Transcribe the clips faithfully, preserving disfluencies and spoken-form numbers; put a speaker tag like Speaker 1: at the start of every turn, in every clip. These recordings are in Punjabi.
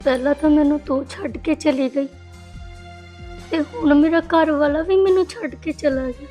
Speaker 1: ਪਹਿਲਾਂ ਤਾਂ ਮੈਨੂੰ ਤੂੰ ਛੱਡ ਕੇ ਚਲੀ ਗਈ ਤੇ ਹੁਣ ਮੇਰਾ ਘਰ ਵਾਲਾ ਵੀ ਮੈਨੂੰ ਛੱਡ ਕੇ ਚਲਾ ਗਿਆ।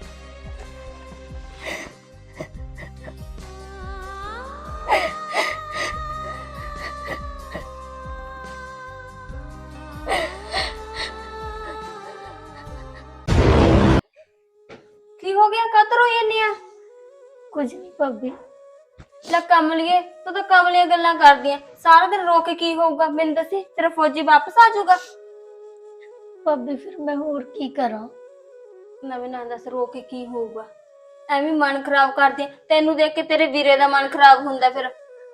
Speaker 2: की हो गया? कद रोई जानी आ?
Speaker 1: कुछ नहीं भाभी।
Speaker 2: ਲੈ ਕਮਲੀਏ, ਤੂੰ ਤਾਂ ਕਮਲੀਆਂ ਗੱਲਾਂ ਕਰਦੀ ਆ। ਸਾਰਾ ਦਿਨ ਰੋ ਕੇ ਕੀ ਹੋਊਗਾ? ਮੈਨੂੰ ਦੱਸੀ, ਤੇਰਾ ਫੌਜੀ ਵਾਪਸ ਆ ਜਾਊਗਾ?
Speaker 1: भाभी फिर मैं और की करा?
Speaker 2: ਨਵੇਂ ਨਾ ਦੱਸ, ਰੋ ਕੇ ਕੀ ਹੋਊਗਾ? ਐਵੇਂ ਮਨ ਖਰਾਬ ਕਰਦੀ ਆ। ਤੈਨੂੰ ਦੇਖ ਕੇ ਤੇਰੇ ਵੀਰੇ ਦਾ ਮਨ ਖਰਾਬ ਹੁੰਦਾ ਫਿਰ।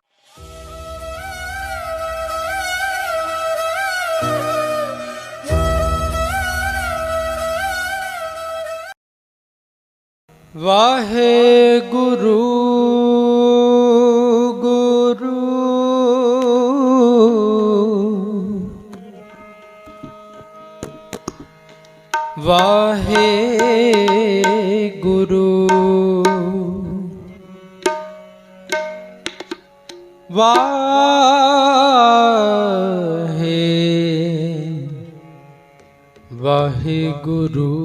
Speaker 3: ਵਾਹਿਗੁਰੂ ਗੁਰੂ ਵਾਹਿਗੁਰੂ ਵਾਹੇ ਵਾਹਿਗੁਰੂ।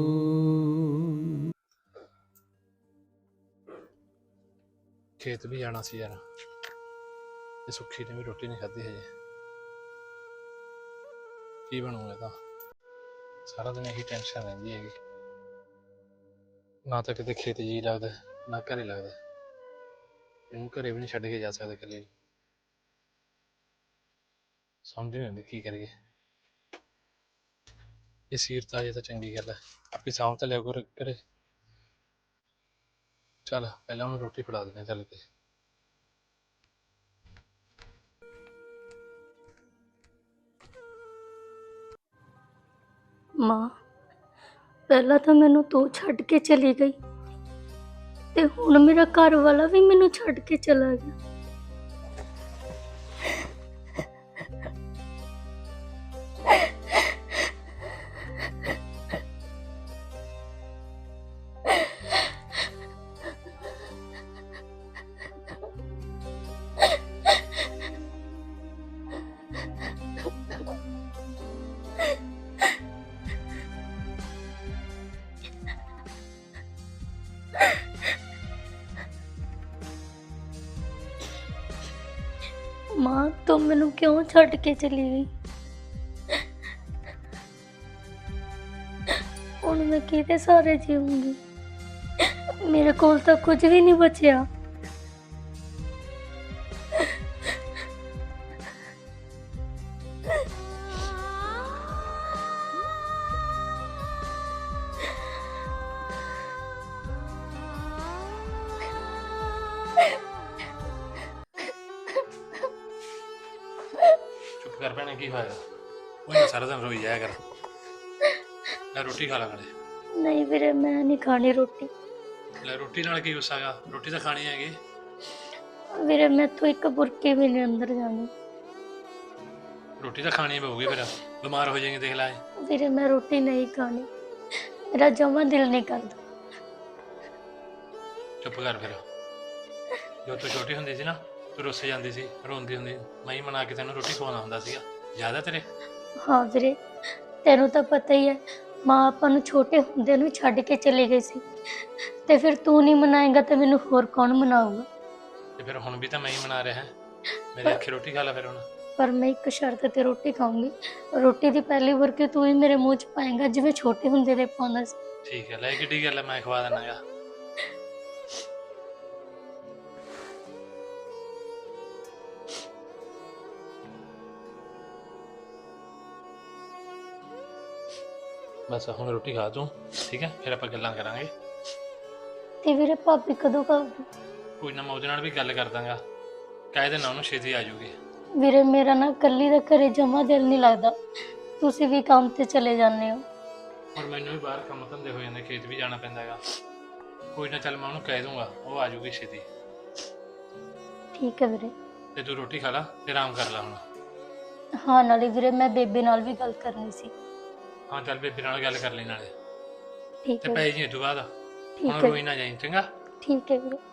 Speaker 4: खेत भी जाना सी यार, ये सुखी ने भी रोटी नहीं खाधी हजे। की बनूगा तो सारा दिन यही टेंशन रही हैगी, ना तो कितने खेत जी लगता ना घरे लगता। इनू घरे भी नहीं छड्ड के जा सकते कल्ले, समझ नहीं आती की करिए। ये सीरत आ जाए तो चंगी गल है, आपकी सामभ तो लिया करो घरे। चल पहले उन्हें रोटी फड़ा देने चल के।
Speaker 1: ਮਾਂ ਪਹਿਲਾਂ ਤਾਂ ਮੈਨੂੰ ਤੂੰ ਛੱਡ ਕੇ ਚਲੀ ਗਈ ਤੇ ਹੁਣ ਮੇਰਾ ਘਰ ਵਾਲਾ ਵੀ ਮੈਨੂੰ ਛੱਡ ਕੇ ਚਲਾ ਗਿਆ। ਮਾਂ ਤੂੰ ਮੈਨੂੰ ਕਿਉਂ ਛੱਡ ਕੇ ਚਲੀ ਗਈ? ਹੁਣ ਮੈਂ ਕਿਹਦੇ ਸਾਰੇ ਜੀਵਾਂਗੀ? ਮੇਰੇ ਕੋਲ ਤਾਂ ਕੁਝ ਵੀ ਨਹੀਂ ਬਚਿਆ।
Speaker 4: चुप कर भैने, की होया? वो सारा दिन रोई जाया कर। ले रोटी खा ला नाले।
Speaker 1: नहीं ਵੀਰੇ मैं नहीं खानी रोटी।
Speaker 4: ले रोटी नाल की गुस्सा गा, रोटी तो खानी हैगी।
Speaker 1: ਵੀਰੇ ਮੈਥੋਂ ਇੱਕ ਬੁਰਕੀ ਵੀ ਨਹੀਂ ਅੰਦਰ ਜਾਣੀ।
Speaker 4: रोटी तो खानी पऊगी, फिर बीमार हो जाएंगे देख लाए।
Speaker 1: ਵੀਰੇ मैं रोटी नहीं खानी, मेरा जमा दिल नहीं करता।
Speaker 4: चुप कर फिर। जो तू छोटी हुंदी सी ना, तू रुस जाती सी, रोंदी हुंदी, मैं ही मना के तैनूं रोटी खवाउंदा हुंदा सीगा। याद है तेरे?
Speaker 1: हाँ ਵੀਰੇ ਤੈਨੂੰ ਤਾਂ ਪਤਾ ਹੀ ਹੈ, ਮਾਂ ਆਪਾਂ ਨੂੰ ਛੋਟੇ ਹੁੰਦੇ ਨੂੰ ਛੱਡ ਕੇ ਚਲੀ ਗਈ ਸੀ ਤੇ ਫਿਰ ਤੂੰ ਨਹੀਂ ਮਨਾਏਗਾ ਤਾਂ ਮੈਨੂੰ ਹੋਰ ਕੌਣ ਮਨਾਊਗਾ?
Speaker 4: ਤੇ ਫਿਰ ਹੁਣ ਵੀ ਤਾਂ ਮੈਂ ਹੀ ਮਨਾ ਰਿਹਾ ਹਾਂ। ਮੇਰੇ ਅੱਖੇ ਰੋਟੀ ਖਾ ਲੈ ਫਿਰ ਹੁਣ।
Speaker 1: ਪਰ ਮੈਂ ਇੱਕ ਸ਼ਰਤ ਤੇ ਰੋਟੀ ਖਾਊਂਗੀ। ਰੋਟੀ ਦੀ ਪਹਿਲੀ ਬੁਰਕੀ ਤੂੰ ਹੀ ਮੇਰੇ ਮੂੰਹ 'ਚ ਪਾਏਗਾ ਜਿਵੇਂ ਛੋਟੇ ਹੁੰਦੇ ਦੇ ਪਾਉਂਦਾ ਸੀ।
Speaker 4: ਠੀਕ ਹੈ, ਲੈ ਕਿੱਡੀ ਗੱਲ ਹੈ, ਮੈਂ ਖਵਾ ਦੇਣਾਗਾ। बस हम रोटी खा तू, ठीक है? फिर आप गल्लां करांगे।
Speaker 1: ਤੇ ਵੀਰੇ ਭਾਬੀ ਕਦੋਂ ਖਾਊਗੀ?
Speaker 4: कोई ना, मैं ਉਹਦੇ ਨਾਲ ਵੀ ਗੱਲ ਕਰ ਦਾਂਗਾ, ਕਹਿ ਦੇਣਾ ਉਹਨੂੰ ਛੇਤੀ ਆ ਜਾਊਗੀ।
Speaker 1: ਵੀਰੇ ਮੇਰਾ ਨਾ ਇਕੱਲੀ ਦਾ ਘਰੇ ਜਮਾ ਦਿਲ ਨਹੀਂ ਲੱਗਦਾ, ਤੁਸੀਂ ਵੀ ਕੰਮ ਤੇ ਚਲੇ ਜਾਂਦੇ ਹੋ।
Speaker 4: और मैनू भी बाहर काम धंधे हो जाते, खेत भी जाना पैंदा हैगा। कोई ना, चल मैं ਉਹਨੂੰ ਕਹਿ ਦੂੰਗਾ, ਉਹ ਆ ਜਾਊਗੀ ਛੇਤੀ।
Speaker 1: ਠੀਕ ਹੈ ਵੀਰੇ।
Speaker 4: ਤੇ ਤੂੰ ਰੋਟੀ ਖਾ ਲਾ ਤੇ ਆਰਾਮ ਕਰ ਲੈ ਹੁਣ।
Speaker 1: ਹਾਂ ਨਾਲੇ ਵੀਰੇ ਮੈਂ ਬੇਬੇ ਨਾਲ ਵੀ ਗੱਲ ਕਰਨੀ ਸੀ।
Speaker 4: ਹਾਂ ਚੱਲ ਬੇਬੇ ਨਾਲ ਗੱਲ ਕਰ ਲੈ ਨਾਲੇ,
Speaker 1: ਠੀਕ
Speaker 4: ਤੇ
Speaker 1: ਹੈ
Speaker 4: ਪੈ ਜੀ ਤੂੰ ਬਾਅਦ ਹੁਣ
Speaker 1: ਠੀਕ ਹੈ
Speaker 4: ਰੋਈ ਨਾ ਜਾਈਂ, ਚੰਗਾ?
Speaker 1: ਠੀਕ ਹੈ ਵੀਰੇ।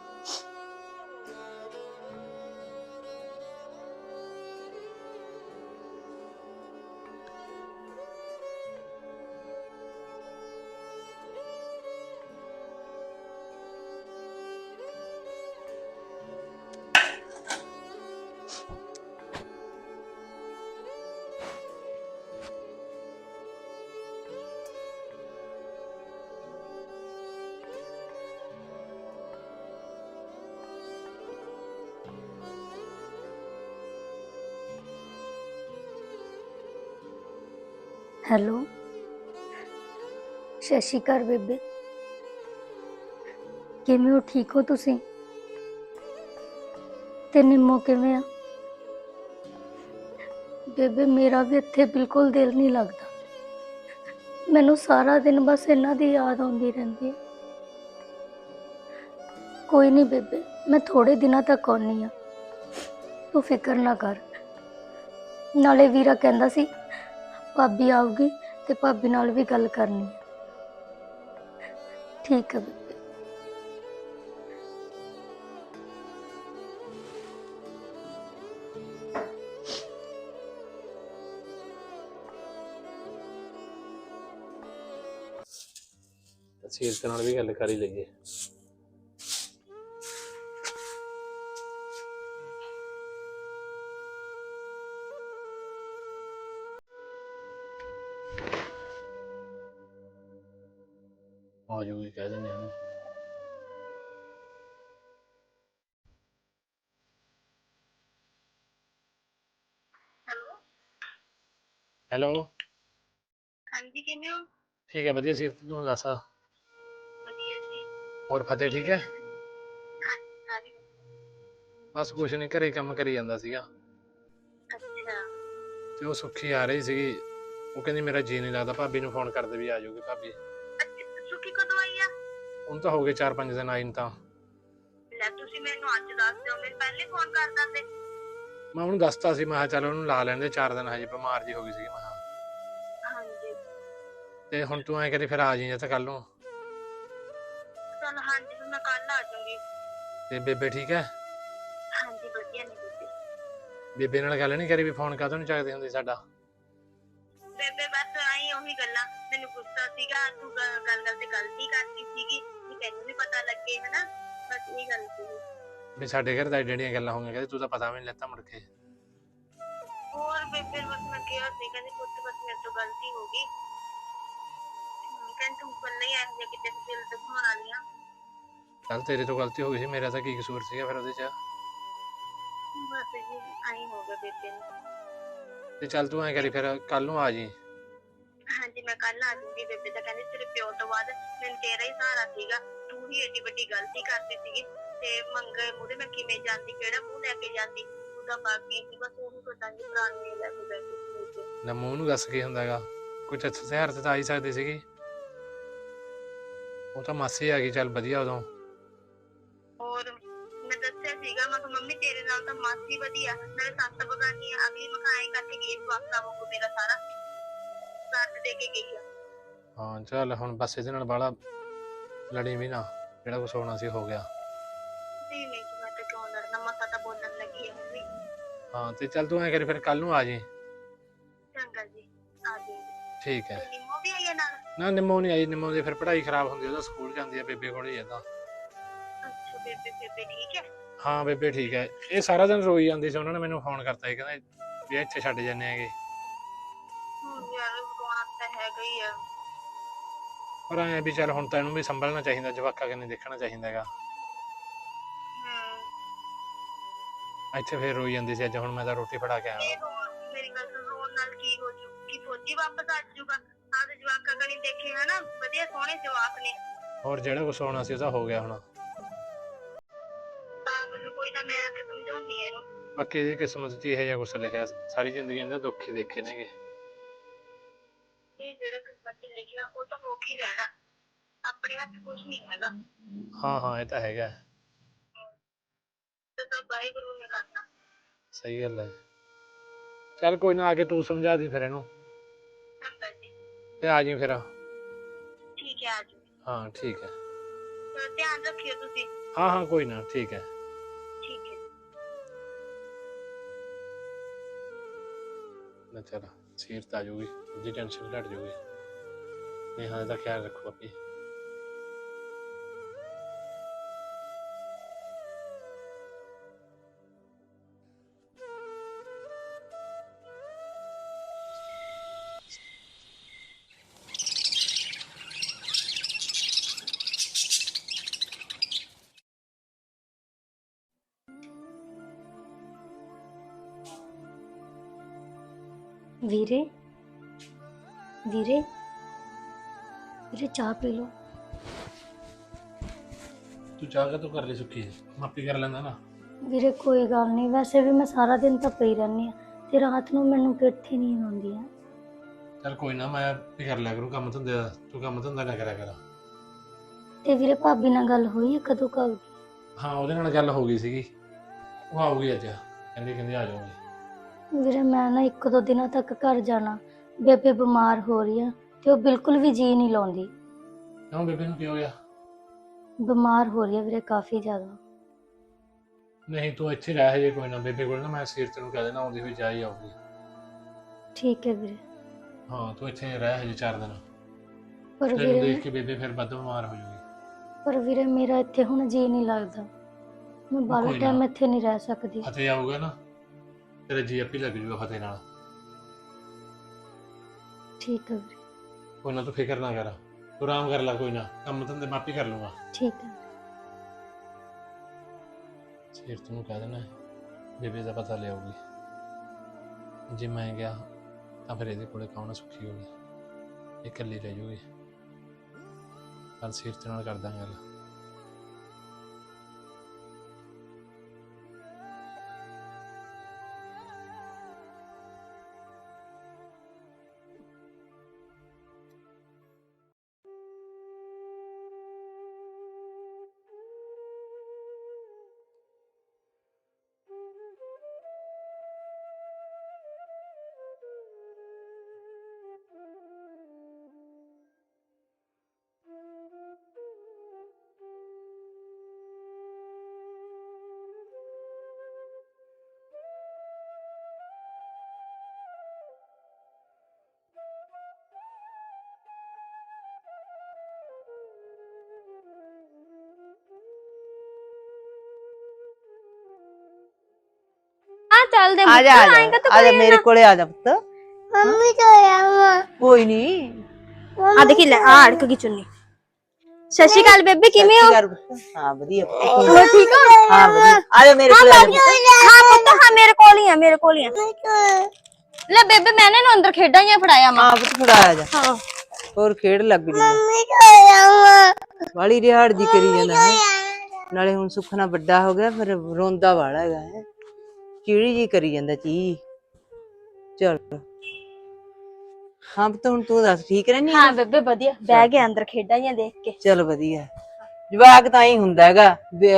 Speaker 1: ਹੈਲੋ, ਸਤਿ ਸ਼੍ਰੀ ਅਕਾਲ ਬੇਬੇ। ਕਿਵੇਂ ਹੋ? ਠੀਕ ਹੋ ਤੁਸੀਂ? ਤੇ ਨਿੰਮੋ ਕਿਵੇਂ ਆ? ਬੇਬੇ ਮੇਰਾ ਵੀ ਇੱਥੇ ਬਿਲਕੁਲ ਦਿਲ ਨਹੀਂ ਲੱਗਦਾ। ਮੈਨੂੰ ਸਾਰਾ ਦਿਨ ਬਸ ਇਹਨਾਂ ਦੀ ਯਾਦ ਆਉਂਦੀ ਰਹਿੰਦੀ ਹੈ। ਕੋਈ ਨਹੀਂ ਬੇਬੇ, ਮੈਂ ਥੋੜੇ ਦਿਨਾਂ ਤੱਕ ਆਉਣੀ ਆ, ਤੂੰ ਫਿਕਰ ਨਾ ਕਰ। ਨਾਲੇ ਵੀਰਾ ਕਹਿੰਦਾ ਸੀ ਭਾਬੀ ਆਊਗੀ ਤੇ ਭਾਬੀ ਨਾਲ ਵੀ ਗੱਲ ਕਰਨੀ ਹੈ। ਠੀਕ ਹੈ ਬੇਬੇ।
Speaker 4: ਸੀਰਤ ਨਾਲ ਵੀ ਗੱਲ ਕਰ ਹੀ ਲਈਏ। ਆ ਜਾਊਗੀ, ਕਹਿ ਦਿੰਦੇ ਹਾਂ। ਹੈਲੋ,
Speaker 5: ਹਾਂਜੀ ਕਿਵੇਂ ਹੋ?
Speaker 4: ਠੀਕ ਹੈ, ਵਧੀਆ। ਸੀਰਤ ਤੂੰ ਦੱਸ?
Speaker 5: ਵਧੀਆ ਜੀ।
Speaker 4: ਹੋਰ ਫਤਿਹ ਠੀਕ ਹੈ?
Speaker 5: ਹਾਂਜੀ।
Speaker 4: ਬਸ ਕੁਛ ਨੀ, ਘਰੇ ਕੰਮ ਕਰੀ ਜਾਂਦਾ ਸੀਗਾ
Speaker 5: ਅੱਛਾ।
Speaker 4: ਤੇ ਉਹ ਸੁੱਖੀ ਆ ਰਹੀ ਸੀਗੀ। ਉਹ ਕਹਿੰਦੀ ਮੇਰਾ ਜੀ ਨਹੀਂ ਲੱਗਦਾ, ਭਾਬੀ ਨੂੰ ਫੋਨ ਕਰਦੇ ਵੀ ਆ ਜਾਊਗੀ ਭਾਬੀ।
Speaker 5: ਅੱਛਾ, ਸੁੱਖੀ ਕਦੋਂ ਆਈ ਆ?
Speaker 4: ਹੁਣ ਤਾਂ ਹੋ ਗਏ ਚਾਰ ਪੰਜ ਦਿਨ ਆਈ ਨੂੰ। ਤਾਂ
Speaker 5: ਲੈ ਤੁਸੀਂ ਮੈਨੂੰ ਅੱਜ ਦੱਸ ਦਿਓ, ਮੈਨੂੰ ਪਹਿਲੇ ਫੋਨ ਕਰ ਦਿੰਦੇ।
Speaker 4: ਮੈਂ ਉਹਨੂੰ ਦੱਸਤਾ ਸੀ, ਮੈਂ ਕਿਹਾ ਚੱਲ ਉਹਨੂੰ ਲਾ ਲੈਂਦੇ ਚਾਰ ਦਿਨ, ਹਜੇ ਬਿਮਾਰ ਜੀ ਹੋ ਗਈ ਸੀਗੀ ਮੈਂ ਕਿਹਾ।
Speaker 5: ਹਾਂਜੀ।
Speaker 4: ਤੇ ਹੁਣ ਤੂੰ ਐਂ ਕਰੀ ਫਿਰ ਆ ਜਾਈਂ ਤਾਂ ਕੱਲ ਨੂੰ।
Speaker 5: ਚਲ ਹਾਂਜੀ, ਫਿਰ ਮੈਂ ਕੱਲ ਆ ਜਾਊਂਗੀ।
Speaker 4: ਤੇ ਬੇਬੇ ਠੀਕ ਹੈ?
Speaker 5: ਹਾਂਜੀ ਵਧੀਆ ਨੇ ਬੇਬੇ।
Speaker 4: ਬੇਬੇ ਨਾਲ ਗੱਲ ਨਹੀਂ ਕਰੀ ਵੀ ਫੋਨ ਕਾਹਤੋਂ ਨਹੀਂ ਚੱਕਦੀ ਹੁੰਦੀ ਸਾਡਾ?
Speaker 5: ਬੇਬੇ ਬਸ ਆਈ ਉਹੀ ਗੱਲਾਂ, ਮੈਨੂੰ ਗੁੱਸਾ ਸੀਗਾ, ਤੂੰ ਗੱਲ ਗੱਲ ਤੇ ਗਲਤੀ ਕਰਤੀ ਸੀਗੀ ਵੀ ਤੈਨੂੰ ਵੀ ਪਤਾ ਲੱਗੇ, ਹਨਾ। ਬਸ ਇਹ ਗੱਲ ਸੀ
Speaker 4: ਵੀ ਸਾਡੇ ਘਰ ਤਾਂ ਏਡੀਆਂ ਏਡੀਆਂ ਗੱਲਾਂ ਹੋਈਆਂ, ਕਹਿੰਦੇ ਤੂੰ ਤਾਂ ਪਤਾ ਵੀ ਨਹੀਂ ਲੈਤਾ ਮੁੜ ਕੇ।
Speaker 5: ਹੋਰ ਬੇਬੇ ਬਸ ਮੈਂ ਕਿਹਾ ਸੀ, ਕਹਿੰਦੀ ਪੁੱਤ ਬਸ ਮੇਰੇ ਤੋਂ ਗਲਤੀ ਹੋ ਗਈ। ਕਹਿੰਦੀ ਤੂੰ ਕੱਲੇ ਹੀ ਇਹੋ ਜਿਹਾ ਕਿਤੇ ਦਿਲ ਦਿਖਾਉਣ ਵਾਲੀਆਂ।
Speaker 4: ਚੱਲ ਤੇਰੇ ਤੋਂ ਗਲਤੀ ਹੋ ਗਈ ਸੀ, ਮੇਰਾ ਤਾਂ ਕੀ ਕਸੂਰ ਸੀਗਾ ਫਿਰ ਉਹਦੇ 'ਚ?
Speaker 5: ਬਸ ਜੀ ਆਈ ਹੋ ਗਿਆ ਬੇਬੇ ਨੂੰ।
Speaker 4: ਤੇ ਚੱਲ ਤੂੰ ਐਂ ਕਰੀ ਫਿਰ ਕੱਲ ਨੂੰ ਆ ਜਾਈਂ।
Speaker 5: ਹਾਂਜੀ ਮੈਂ ਕੱਲ ਆ ਜਾਊਂਗੀ। ਬੇਬੇ ਤਾਂ ਕਹਿੰਦੀ ਤੇਰੇ ਪਿਓ ਤੋਂ ਬਾਅਦ ਮੈਨੂੰ ਤੇਰਾ ਹੀ ਸਹਾਰਾ ਸੀਗਾ, ਤੂੰ ਹੀ ਏਡੀ ਵੱਡੀ ਗਲਤੀ ਕਰਦੀ ਸੀਗੀ ਤੇ ਮੰਗੇ ਮੂਹਰੇ ਮੈਂ ਕਿਵੇਂ ਜਾਂਦੀ, ਕਿਹੜਾ ਮੂੰਹ ਲੈ ਕੇ ਜਾਂਦੀ। ਤੂੰ ਤਾਂ ਬਾਕੀ ਸੀ, ਬਸ ਉਹਨੂੰ ਪਤਾ ਨਹੀਂ ਪੁਰਾਣੀ ਲੈ ਕੇ ਬੈਠੀ।
Speaker 4: ਨਾ ਮੂੰਹ ਨੂੰ ਦੱਸ ਕੀ ਹੁੰਦਾ ਹੈਗਾ, ਕੁਛ ਅੱਛਾ ਸਿਆਰ ਤੇ ਤਾਂ ਆਈ ਸਕਦੀ ਸੀਗੀ। ਉਹ ਤਾਂ ਮਾਸੀ ਆ ਗਈ, ਚੱਲ ਵਧੀਆ ਉਦੋਂ।
Speaker 5: ਹੋਰ ਮੈਂ ਦੱਸਿਆ ਸੀਗਾ, ਮੈਂ ਕਿਹਾ ਮੰਮੀ ਤੇਰੇ ਨਾਲ ਤਾਂ ਮਾਸੀ ਵਧੀਆ, ਨਾਲੇ ਸੱਤ ਬਗਾਨੀ ਆ। ਅਗਲੀ ਮਕਾਈ ਕਰਕੇ ਗਈ ਵਾਸਤਾ ਵਾਂਗੂ ਮੇਰਾ ਸਾਰਾ ਸਾਥ ਦੇ ਕੇ ਗਈ ਆ।
Speaker 4: ਹਾਂ ਚੱਲ ਹੁਣ ਬਸ ਇਹਦੇ ਨਾਲ ਬਾਹਲਾ ਲੜੀ ਵੀ ਨਾ, ਜਿਹੜਾ ਕੁਛ ਹੋਣਾ ਸੀ ਹੋ ਗਿਆ।
Speaker 5: ਨਹੀਂ ਨਹੀਂ ਜੀ, ਮੈਂ ਤਾਂ ਕਿਉਂ ਲੜਨਾ, ਮਸਾ ਤਾਂ ਬੋਲਣ ਲੱਗੀ ਆ ਮੰਮੀ।
Speaker 4: ਹਾਂ ਤੇ ਚੱਲ ਤੂੰ ਐਂ ਕਰੀ ਫਿਰ ਕੱਲ ਨੂੰ ਆ ਜਾਈਂ।
Speaker 5: ਚੰਗਾ ਜੀ, ਆ ਜਾਊਂਗੀ।
Speaker 4: ਠੀਕ ਹੈ।
Speaker 5: ਤੇ ਨਿੰਮੋ ਵੀ ਆਈ ਆ ਨਾਲ?
Speaker 4: ਨਾ ਨਿੰਮੋ ਨਹੀਂ ਆਈ, ਨਿੰਮੋ ਦੀ ਫਿਰ ਪੜ੍ਹਾਈ ਖਰਾਬ ਹੁੰਦੀ, ਉਹਦਾ ਸਕੂਲ ਜਾਂਦੀ ਆ, ਬੇਬੇ ਕੋਲ ਹੀ ਆ ਤਾਂ।
Speaker 5: ਅੱਛਾ ਬੇਬੇ ਬੇਬੇ ਠੀਕ ਹੈ?
Speaker 4: ਹਾਂ ਬੇਬੇ ਠੀਕ ਹੈ। ਇਹ ਸਾਰਾ ਦਿਨ ਰੋਈ ਜਾਂਦੀ ਸੀ, ਉਹਨਾਂ ਨੇ ਮੈਨੂੰ ਫੋਨ ਕਰਤਾ ਸੀ, ਕਹਿੰਦੇ ਵੀ ਇੱਥੇ ਛੱਡ ਜਾਂਦੇ ਹੈਗੇ।
Speaker 5: ਹੁਣ ਯਾਰ ਰੋਣਾ ਤਾਂ ਹੈਗਾ ਹੀ ਆ।
Speaker 4: ਪਰ ਐਂ ਵੀ ਚੱਲ ਹੁਣ ਤਾਂ ਇਹਨੂੰ ਵੀ ਸੰਭਲਣਾ ਚਾਹੀਦਾ, ਜਵਾਕਾ ਕਿ ਨਹੀਂ ਦੇਖਣਾ ਚਾਹੀਦਾ ਹੈਗਾ।
Speaker 5: ਹਮ
Speaker 4: ਇੱਥੇ ਫਿਰ ਰੋਈ ਜਾਂਦੀ ਸੀ। ਅੱਜ ਹੁਣ ਮੈਂ ਤਾਂ ਰੋਟੀ ਫੜਾ ਕੇ ਆਇਆ।
Speaker 5: ਇਹ ਰੋਣ ਮੇਰੀ ਗੱਲ ਸੁਣ, ਰੋਣ ਨਾਲ ਕੀ ਹੋ ਜੂ? ਕੀ ਫੌਜੀ ਵਾਪਸ ਆ ਜਾਊਗਾ? ਆਪਦੇ ਜਵਾਕਾਂ ਕਣੀ ਦੇਖੇ ਹਨਾ, ਵਧੀਆ ਸੋਹਣੇ ਜਵਾਕ ਨੇ।
Speaker 4: ਹੋਰ ਜਿਹੜਾ ਕੁਛ ਹੋਣਾ ਸੀ ਉਹ ਤਾਂ ਹੋ ਗਿਆ ਹੁਣ।
Speaker 5: ਤਾਂ ਮੈਨੂੰ ਕੋਈ ਨਾ, ਮੈਂ ਆ ਕੇ ਸਮਝਾਉਂਦੀ ਆ ਇਹਨੂੰ।
Speaker 4: ਬਾਕੀ ਇਹਦੀ ਕਿਸਮਤ 'ਚ ਇਹੋ ਜਿਹਾ ਕੁਛ ਲਿਖਿਆ, ਸਾਰੀ ਜ਼ਿੰਦਗੀ ਇਹਦੇ ਦੁੱਖ ਹੀ ਦੇਖੇ ਨੇਗੇ।
Speaker 5: ਇਹ ਜਿਹੜਾ ਕਿਸਮਤ 'ਚ ਲਿਖਿਆ ਉਹ ਤਾਂ ਹੋ ਹੀ ਰਹਿਣਾ, ਆਪਣੇ ਹੱਥ ਕੁਛ ਨਹੀਂ ਹੈਗਾ।
Speaker 4: ਹਾਂ ਹਾਂ ਇਹ ਤਾਂ ਹੈਗਾ।
Speaker 5: ਤੇ ਤਾਂ ਵਾਹਿਗੁਰੂ ਨੇ ਕਰਨਾ।
Speaker 4: ਸਹੀ ਗੱਲ ਹੈ। ਚੱਲ ਕੋਈ ਨਾ, ਆ ਕੇ ਤੂੰ ਸਮਝਾ ਦੀ ਫਿਰ ਇਹਨੂੰ।
Speaker 5: ਚੰਗਾ ਜੀ।
Speaker 4: ਤੇ ਆ ਜਾਈਂ ਫਿਰ।
Speaker 5: ਠੀਕ ਹੈ, ਆ ਜਾਓ।
Speaker 4: ਹਾਂ ਠੀਕ ਹੈ।
Speaker 5: ਚਲੋ ਧਿਆਨ ਰੱਖਿਓ ਤੁਸੀਂ।
Speaker 4: ਹਾਂ ਹਾਂ ਕੋਈ ਨਾ, ਠੀਕ ਹੈ।
Speaker 5: ਠੀਕ ਹੈ।
Speaker 4: ਨਾ ਚੱਲ ਸੀਰਤ ਆ ਜਾਊਗੀ, ਉਹਦੀ ਟੈਨਸ਼ਨ ਘੱਟ ਜਾਊਗੀ। ਨੇਹਾ ਦਾ ਖਿਆਲ ਰੱਖੋ ਆਪੇ।
Speaker 1: ਵੀਰੇ ਵੀਰੇ ਵੀਰੇ ਚਾਹ ਪੀ ਲਓ।
Speaker 4: ਤੂੰ ਚਾਹ ਤੂੰ ਕਰ ਲਈ ਸੁੱਕੀ ਮਾਪੀ ਕਰ ਲੈਂਦਾ ਨਾ।
Speaker 1: ਵੀਰੇ ਕੋਈ ਗੱਲ ਨਹੀਂ, ਵੈਸੇ ਵੀ ਮੈਂ ਸਾਰਾ ਦਿਨ ਤਾਂ ਪਈ ਰਹਿੰਦੀ ਆ ਤੇ ਰਾਤ ਨੂੰ ਮੈਨੂੰ ਕਿੱਥੇ ਨੀਂਦ ਆਉਂਦੀ ਆ।
Speaker 4: ਚੱਲ ਕੋਈ ਨਾ, ਮੈਂ ਵੀ ਕਰ ਲਿਆ ਕਰੂੰ ਕੰਮ ਧੰਦੇ ਦਾ, ਤੂੰ ਕੰਮ ਧੰਦਾ ਨਾ ਕਰਿਆ ਕਰ।
Speaker 1: ਤੇ ਵੀਰੇ ਭਾਬੀ ਨਾਲ ਗੱਲ ਹੋਈ ਹੈ ਕਦੋਂ ਕਾ?
Speaker 4: ਹਾਂ ਉਹਦੇ ਨਾਲ ਗੱਲ ਹੋ ਗਈ ਸੀਗੀ, ਉਹ ਆਊਗੀ ਅੱਜ, ਕਹਿੰਦੀ ਕਹਿੰਦੀ ਆ ਜਾਊਗੀ।
Speaker 1: ਵੀਰੇ ਮੈਂ ਨਾ ਇੱਕ ਦੋ ਦਿਨਾਂ ਤੱਕ ਘਰ ਜਾਣਾ, ਬੇਬੇ ਬਿਮਾਰ ਹੋ ਰਹੀ ਆ ਤੇ ਉਹ ਬਿਲਕੁਲ ਵੀ ਜੀ ਨਹੀਂ ਲਾਉਂਦੀ।
Speaker 4: ਕਿਉਂ ਬੇਬੇ ਨੂੰ ਕੀ ਹੋ ਗਿਆ?
Speaker 1: ਬਿਮਾਰ ਹੋ ਰਹੀ ਆ ਵੀਰੇ ਕਾਫੀ ਜ਼ਿਆਦਾ।
Speaker 4: ਨਹੀਂ ਤੂੰ ਇੱਥੇ ਰਹਿ ਹਜੇ, ਕੋਈ ਨਾ ਬੇਬੇ ਕੋਲ ਨਾ ਮੈਂ ਸੀਰਤ ਨੂੰ ਕਹਿ ਦੇਣਾ ਆਉਂਦੀ ਹੋਈ ਜਾ ਹੀ ਆਊਗੀ।
Speaker 1: ਠੀਕ ਹੈ ਵੀਰੇ।
Speaker 4: ਹਾਂ ਤੂੰ ਇੱਥੇ ਰਹਿ ਹਜੇ ਚਾਰ ਦਿਨ,
Speaker 1: ਪਰ
Speaker 4: ਤੈਨੂੰ
Speaker 1: ਵੀਰੇ
Speaker 4: ਦੇਖ ਕੇ ਬੇਬੇ ਫਿਰ ਵੱਧ ਬਿਮਾਰ ਹੋ ਜਾਊਗੀ।
Speaker 1: ਪਰ ਵੀਰੇ ਮੇਰਾ ਇੱਥੇ ਹੁਣ ਜੀ ਨਹੀਂ ਲੱਗਦਾ, ਮੈਂ ਬਾਹਲਾ
Speaker 4: ਕੋਈ
Speaker 1: ਟਾਈਮ
Speaker 4: ਨਾ।
Speaker 1: ਇੱਥੇ ਨਹੀਂ ਰਹਿ ਸਕਦੀ।
Speaker 4: ਫਤਿਹ ਆਊਗਾ ਨਾ ਤੇਰਾ ਜੀ ਆਪੀ ਲੱਗ ਜੂਗਾ ਫਤਿਹ ਨਾਲ।
Speaker 1: ਠੀਕ ਹੈ ਵੀਰੇ।
Speaker 4: ਕੋਈ ਨਾ ਤੂੰ ਫਿਕਰ ਨਾ ਕਰ, ਤੂੰ ਆਰਾਮ ਕਰ ਲੈ, ਕੋਈ ਨਾ ਕੰਮ ਧੰਦੇ ਮਾਪੀ ਕਰ ਲੂੰਗਾ।
Speaker 1: ਠੀਕ ਹੈ।
Speaker 4: ਸੀਰਤ ਨੂੰ ਕਹਿ ਦੇਣਾ ਬੇਬੇ ਦਾ ਪਤਾ ਲਿਆਊਗੀ, ਜੇ ਮੈਂ ਗਿਆ ਤਾਂ ਫਿਰ ਇਹਦੇ ਕੋਲੇ ਕੌਣ ਸੁਖੀ ਹੋਗੀ, ਇਹ ਇਕੱਲੀ ਰਹਿ ਜੂਗੀ। ਕੱਲ ਸੀਰਤ ਨਾਲ ਕਰਦਾ ਗੱਲ।
Speaker 2: ਆ ਚੱਲ ਦੇ
Speaker 6: ਆ ਜਾ
Speaker 2: ਪੁੱਤ,
Speaker 6: ਆ
Speaker 2: ਆਏਂਗਾ
Speaker 6: ਜਾ
Speaker 2: ਤਾਂ
Speaker 6: ਆ ਜਾ
Speaker 2: ਕੋਈ
Speaker 6: ਮੇਰੇ ਕੋਲੇ ਆ ਜਾ ਪੁੱਤ।
Speaker 1: ਮੰਮੀ ਤੋਂ ਆਇਆ
Speaker 6: ਕੋਈ ਨਹੀਂ।
Speaker 2: ਆ ਦੇਖੀ ਲੈ ਆ ਅੜਕ ਗਈ ਚੁੰਨੀ। ਸਤਿ ਸ਼੍ਰੀ ਅਕਾਲ ਬੇਬੇ, ਕਿਵੇਂ ਹੋ?
Speaker 6: ਹਾਂ ਵਧੀਆ ਪੁੱਤ।
Speaker 2: ਹੋਰ ਠੀਕ ਹੋ?
Speaker 6: ਹਾਂ ਵਧੀਆ। ਆ ਜਾ ਮੇਰੇ ਕੋਲੇ ਆ ਜਾ ਪੁੱਤ।
Speaker 2: ਹਾਂ ਪੁੱਤ, ਹਾਂ ਮੇਰੇ ਕੋਲ ਹੀ ਆ, ਮੇਰੇ ਕੋਲ ਹੀ ਆ। ਲੈ ਬੇਬੇ ਮੈਂ ਇਹਨੂੰ ਅੰਦਰ ਖੇਡਾਂ ਜਾਂ ਫੜਾਇਆ ਮਾਂ।
Speaker 6: ਹਾਂ ਪੁੱਤ ਫੜਾ ਆ ਜਾ।
Speaker 2: ਹਾਂ
Speaker 6: ਹੋਰ ਖੇਡ ਲੱਗ ਜੀ। ਵਾਲੀ ਰਿਹਾੜ ਜੀ ਕਰੀ ਜਾਂਦਾ ਹੈ, ਨਾਲੇ ਹੁਣ ਸੁਖਣਾ ਵੱਡਾ ਹੋ ਗਿਆ, ਫਿਰ ਰੋਂਦਾ ਵਾਲਾ ਹੈਗਾ ਹੈ, ਚਿੜੀ ਜੀ ਕਰੀ ਜਾਂਦਾ ਚੀ। ਚਲ ਹਾਂ ਪੁੱਤ ਹੁਣ ਤੂੰ ਦੱਸ ਠੀਕ ਰਹਿਨੀ?
Speaker 2: ਹਾਂ ਬੇਬੇ ਵਧੀਆ, ਬਹਿ ਗਿਆ ਅੰਦਰ ਖੇਡਾਂ ਜਾਂ ਦੇਖ ਕੇ।
Speaker 6: ਚਲ ਵਧੀਆ। ਜਵਾਕ ਤਾਂ ਹੀ ਹੁੰਦਾ ਹੈਗਾ,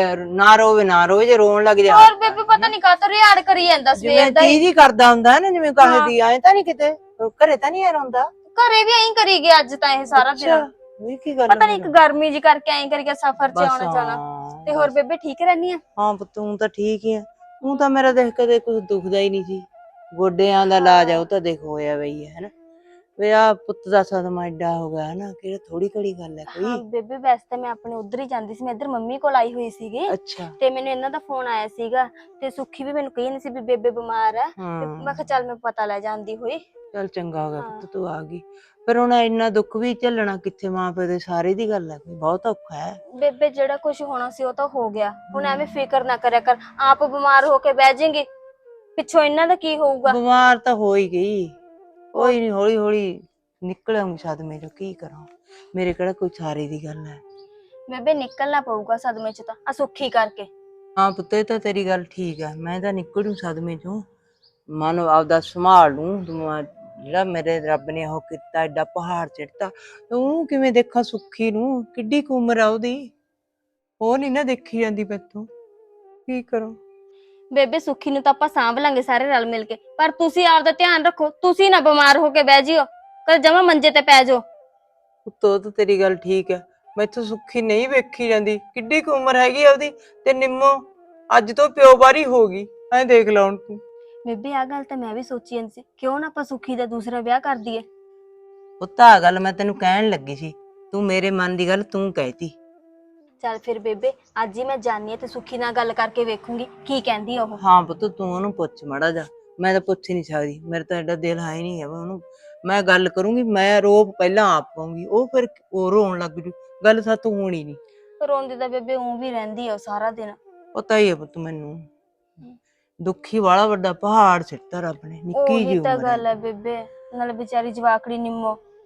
Speaker 6: ਨਾ ਰੋਵੇ ਨਾ ਰੋਵੇ, ਜੇ ਰੋਣ ਲੱਗ ਜਾ
Speaker 2: ਹੋਰ ਬੇਬੇ ਪਤਾ ਨਹੀਂ ਕਾਹਤੋਂ ਰਿਆੜ ਕਰੀ ਜਾਂਦਾ ਸਵੇਰ
Speaker 6: ਜਿਵੇਂ
Speaker 2: ਦਾ ਹੀ।
Speaker 6: ਚੀਜ਼ ਹੀ ਕਰਦਾ ਹੁੰਦਾ ਨਾ, ਜਿਵੇਂ ਕਹੇ ਦੀ ਆਏ ਤਾਂ ਨਹੀਂ ਕਿਤੇ ਘਰੇ ਤਾਂ ਨਹੀਂ ਰੋਂਦਾ।
Speaker 2: ਘਰੇ ਵੀ ਐਂ ਕਰੀ ਗਿਆ ਅੱਜ ਤਾਂ ਇਹ ਸਾਰਾ ਦਿਨ।
Speaker 6: ਵੀ ਕੀ ਗੱਲ
Speaker 2: ਪਤਾ ਨਹੀਂ ਇੱਕ ਗਰਮੀ ਜੀ ਕਰਕੇ ਐਂ ਕਰੀ ਗਿਆ, ਸਫ਼ਰ 'ਚ
Speaker 6: ਬਸ
Speaker 2: ਆਉਣਾ ਜਾਣਾ।
Speaker 6: ਹਾਂ,
Speaker 2: ਤੇ ਹੋਰ ਬੇਬੇ ਠੀਕ ਰਹਿਨੀ ਆ?
Speaker 6: ਹਾਂ ਪੁੱਤ ਤੂੰ ਤਾਂ ਠੀਕ ਹੀ ਆ। ਤੂੰ ਤਾਂ ਮੇਰਾ ਦੇਖ ਕਦੇ ਕੁਝ ਦੁਖਦਾ ਹੀ ਨਹੀਂ ਸੀ। ਗੋਡਿਆਂ ਦਾ ਇਲਾਜ ਆ ਉਹ ਤਾਂ ਦੇਖ ਹੋਇਆ ਬਈ ਹੈ ਨਾ। ਵੇ ਆ ਪੁੱਤ ਦਾ ਸਦਮਾ ਐਡਾ ਹੋ ਗਿਆ ਹਨਾ, ਕਿਹੜਾ ਥੋੜੀ ਘੜੀ ਗੱਲ ਹੈ
Speaker 2: ਹਾਂ
Speaker 6: ਕੋਈ।
Speaker 2: ਬੇਬੇ ਵੈਸੇ ਤਾਂ ਮੈਂ ਆਪਣੇ ਉਧਰ ਹੀ ਜਾਂਦੀ ਸੀ, ਮੈਂ ਇੱਧਰ ਮੰਮੀ ਕੋਲ ਆਈ ਹੋਈ ਸੀਗੀ
Speaker 6: ਅੱਛਾ
Speaker 2: ਤੇ ਮੈਨੂੰ ਇਹਨਾਂ ਦਾ ਫੋਨ ਆਇਆ ਸੀਗਾ ਤੇ ਸੁੱਖੀ ਵੀ ਮੈਨੂੰ ਕਹੀ ਨਹੀਂ ਸੀ ਵੀ ਬੇਬੇ ਬਿਮਾਰ ਆ, ਤੇ
Speaker 6: ਹਾਂ
Speaker 2: ਮੈਂ ਕਿਹਾ ਚੱਲ ਮੈਂ ਪਤਾ ਲੈ ਜਾਂਦੀ ਹੋਈ।
Speaker 6: ਚੱਲ ਚੰਗਾ ਹੋ ਗਿਆ
Speaker 2: ਹਾਂ।
Speaker 6: ਪੁੱਤ ਤੂੰ ਆ ਗਈ। ਪਰ ਹੁਣ ਇੰਨਾ ਦੁੱਖ ਵੀ ਝੱਲਣਾ ਕਿੱਥੇ, ਮਾਂ ਪਿਓ ਦੇ ਸਾਰੇ ਦੀ ਗੱਲ ਹੈ, ਬਹੁਤ ਔਖਾ ਹੈ।
Speaker 2: ਬੇਬੇ ਜਿਹੜਾ ਕੁਝ ਹੋਣਾ ਸੀ ਉਹ ਤਾਂ ਹੋ ਗਿਆ, ਹੁਣ ਐਵੇਂ ਫਿਕਰ ਨਾ ਕਰਿਆ ਕਰ, ਆਪ ਬਿਮਾਰ ਹੋ ਕੇ ਬਹਿ ਜਾਏਂਗੇ, ਪਿੱਛੋਂ ਇਹਨਾਂ ਦਾ ਕੀ ਹੋਊਗਾ।
Speaker 6: ਬਿਮਾਰ ਤਾਂ ਹੋ ਹੀ ਗਈ, ਕੋਈ ਨਹੀਂ ਹੌਲੀ ਹੌਲੀ ਨਿਕਲ ਆਉਂਗੀ ਸਦਮੇ ਚੋਂ, ਕੀ ਕਰਾਂ, ਮੇਰੇ ਕਿਹੜਾ ਕੋਈ ਸਾਰੇ ਦੀ ਗੱਲ ਹੈ।
Speaker 2: ਬੇਬੇ ਨਿਕਲਣਾ ਪਊਗਾ ਸਦਮੇ ਚ ਤਾਂ, ਆ ਸੁੱਖੀ ਕਰਕੇ।
Speaker 6: ਹਾਂ ਪੁੱਤ ਇਹ ਤਾਂ ਤੇਰੀ ਗੱਲ ਠੀਕ ਹੈ, ਮੈਂ ਤਾਂ ਨਿਕਲ ਜੂ ਸਦਮੇ ਚੋਂ, ਮਨ ਆਪਦਾ ਸੰਭਾਲ ਲੂੰ। ਤੂੰ ਜਿਹੜਾ ਮੇਰੇ ਰੱਬ ਨੇ ਉਹ ਕੀਤਾ ਐਡਾ ਪਹਾੜ ਚੜਤਾ, ਉਹਨੂੰ ਕਿਵੇਂ ਦੇਖਾਂ ਸੁੱਖੀ ਨੂੰ, ਕਿੱਡੀ ਕੁ ਉਮਰ ਆ ਉਹਦੀ, ਉਹ ਨੀ ਨਾ ਦੇਖੀ ਜਾਂਦੀ ਮੈਥੋਂ, ਕੀ ਕਰਾਂ।
Speaker 2: ਬੇਬੇ ਸੁੱਖੀ ਨੂੰ ਤਾਂ ਆਪਾਂ ਸਾਂਭ ਲਾਂਗੇ ਸਾਰੇ ਰਲ ਮਿਲ ਕੇ, ਪਰ ਤੁਸੀਂ ਆਪਦਾ ਧਿਆਨ ਰੱਖੋ, ਤੁਸੀਂ ਨਾ ਬਿਮਾਰ ਹੋ ਕੇ ਬਹਿ ਜਿਓ, ਕਦੇ ਜਮਾ ਮੰਜੇ ਤੇ ਪੈ ਜਾਓ।
Speaker 6: ਉੱਤੋਂ ਤਾਂ ਤੇਰੀ ਗੱਲ ਠੀਕ ਹੈ, ਮੈਥੋਂ ਸੁੱਖੀ ਨਹੀਂ ਵੇਖੀ ਜਾਂਦੀ, ਕਿੱਡੀ ਕੁ ਉਮਰ ਹੈਗੀ ਆ ਉਹਦੀ, ਤੇ ਨਿੰਮੋ ਅੱਜ ਤੋਂ ਪਿਓ ਬਾਰੀ ਹੋ ਗਈ, ਐਂ ਦੇਖ ਲਾ ਹੁਣ ਤੂੰ।
Speaker 2: ਬੇਬੇ ਆ ਗੱਲ ਤਾਂ ਮੈਂ ਵੀ ਸੋਚੀ ਜਾਂਦੀ ਸੀ, ਕਿਉਂ ਨਾ ਆਪਾਂ ਸੁੱਖੀ ਦਾ ਦੂਸਰਾ ਵਿਆਹ ਕਰ ਦਈਏ।
Speaker 6: ਪੁੱਤ ਆ ਗੱਲ ਮੈਂ ਤੈਨੂੰ ਕਹਿਣ ਲੱਗੀ ਸੀ, ਤੂੰ ਮੇਰੇ ਮਨ ਦੀ ਗੱਲ ਤੂੰ ਕਹਿਤੀ।
Speaker 2: ਚੱਲ ਫਿਰ ਬੇਬੇ ਅੱਜ ਹੀ ਮੈਂ ਜਾਣੀ ਆ ਤੇ ਸੁੱਖੀ ਨਾਲ ਗੱਲ ਕਰਕੇ ਵੇਖੂੰਗੀ ਕੀ ਕਹਿੰਦੀ ਆ ਉਹ।
Speaker 6: ਹਾਂ ਪੁੱਤ ਤੂੰ ਉਹਨੂੰ ਪੁੱਛ ਮਾੜਾ ਜਾ, ਮੈਂ ਤਾਂ ਪੁੱਛ ਹੀ ਨਹੀਂ ਸਕਦੀ, ਮੇਰੇ ਤਾਂ ਐਡਾ ਦਿਲ ਹੈ ਹੀ ਨਹੀਂ ਹੈ ਉਹਨੂੰ। ਮੈਂ ਗੱਲ ਕਰੂੰਗੀ, ਮੈਂ ਰੋਪ ਪਹਿਲਾਂ ਆਪ ਪਾਉਂਗੀ, ਉਹ ਫਿਰ ਉਹ ਰੋਣ ਲੱਗ ਜੂ, ਗੱਲ ਸਾਤੋਂ ਹੋਣੀ ਨਹੀਂ।
Speaker 2: ਰੋਂਦੀ ਤਾਂ ਬੇਬੇ ਉਂ ਵੀ ਰਹਿੰਦੀ ਆ ਉਹ ਸਾਰਾ ਦਿਨ।
Speaker 6: ਪਤਾ ਹੀ ਹੈ ਪੁੱਤ ਮੈਨੂੰ, ਦੁੱਖੀ ਵਾਲਾ ਵੱਡਾ ਪਹਾੜ ਸਿੱਟਾ ਰੱਬ ਨੇ, ਨਿੱਕੀ
Speaker 2: ਉਹੀ
Speaker 6: ਜਿਹੀ
Speaker 2: ਤਾਂ
Speaker 6: ਉਮਰ
Speaker 2: ਗੱਲ
Speaker 6: ਹੈ।
Speaker 2: ਹੈ ਬੇਬੇ, ਨਾਲ ਵਿਚਾਰੀ ਜਵਾਕੜੀ ਨਿੰਮੋ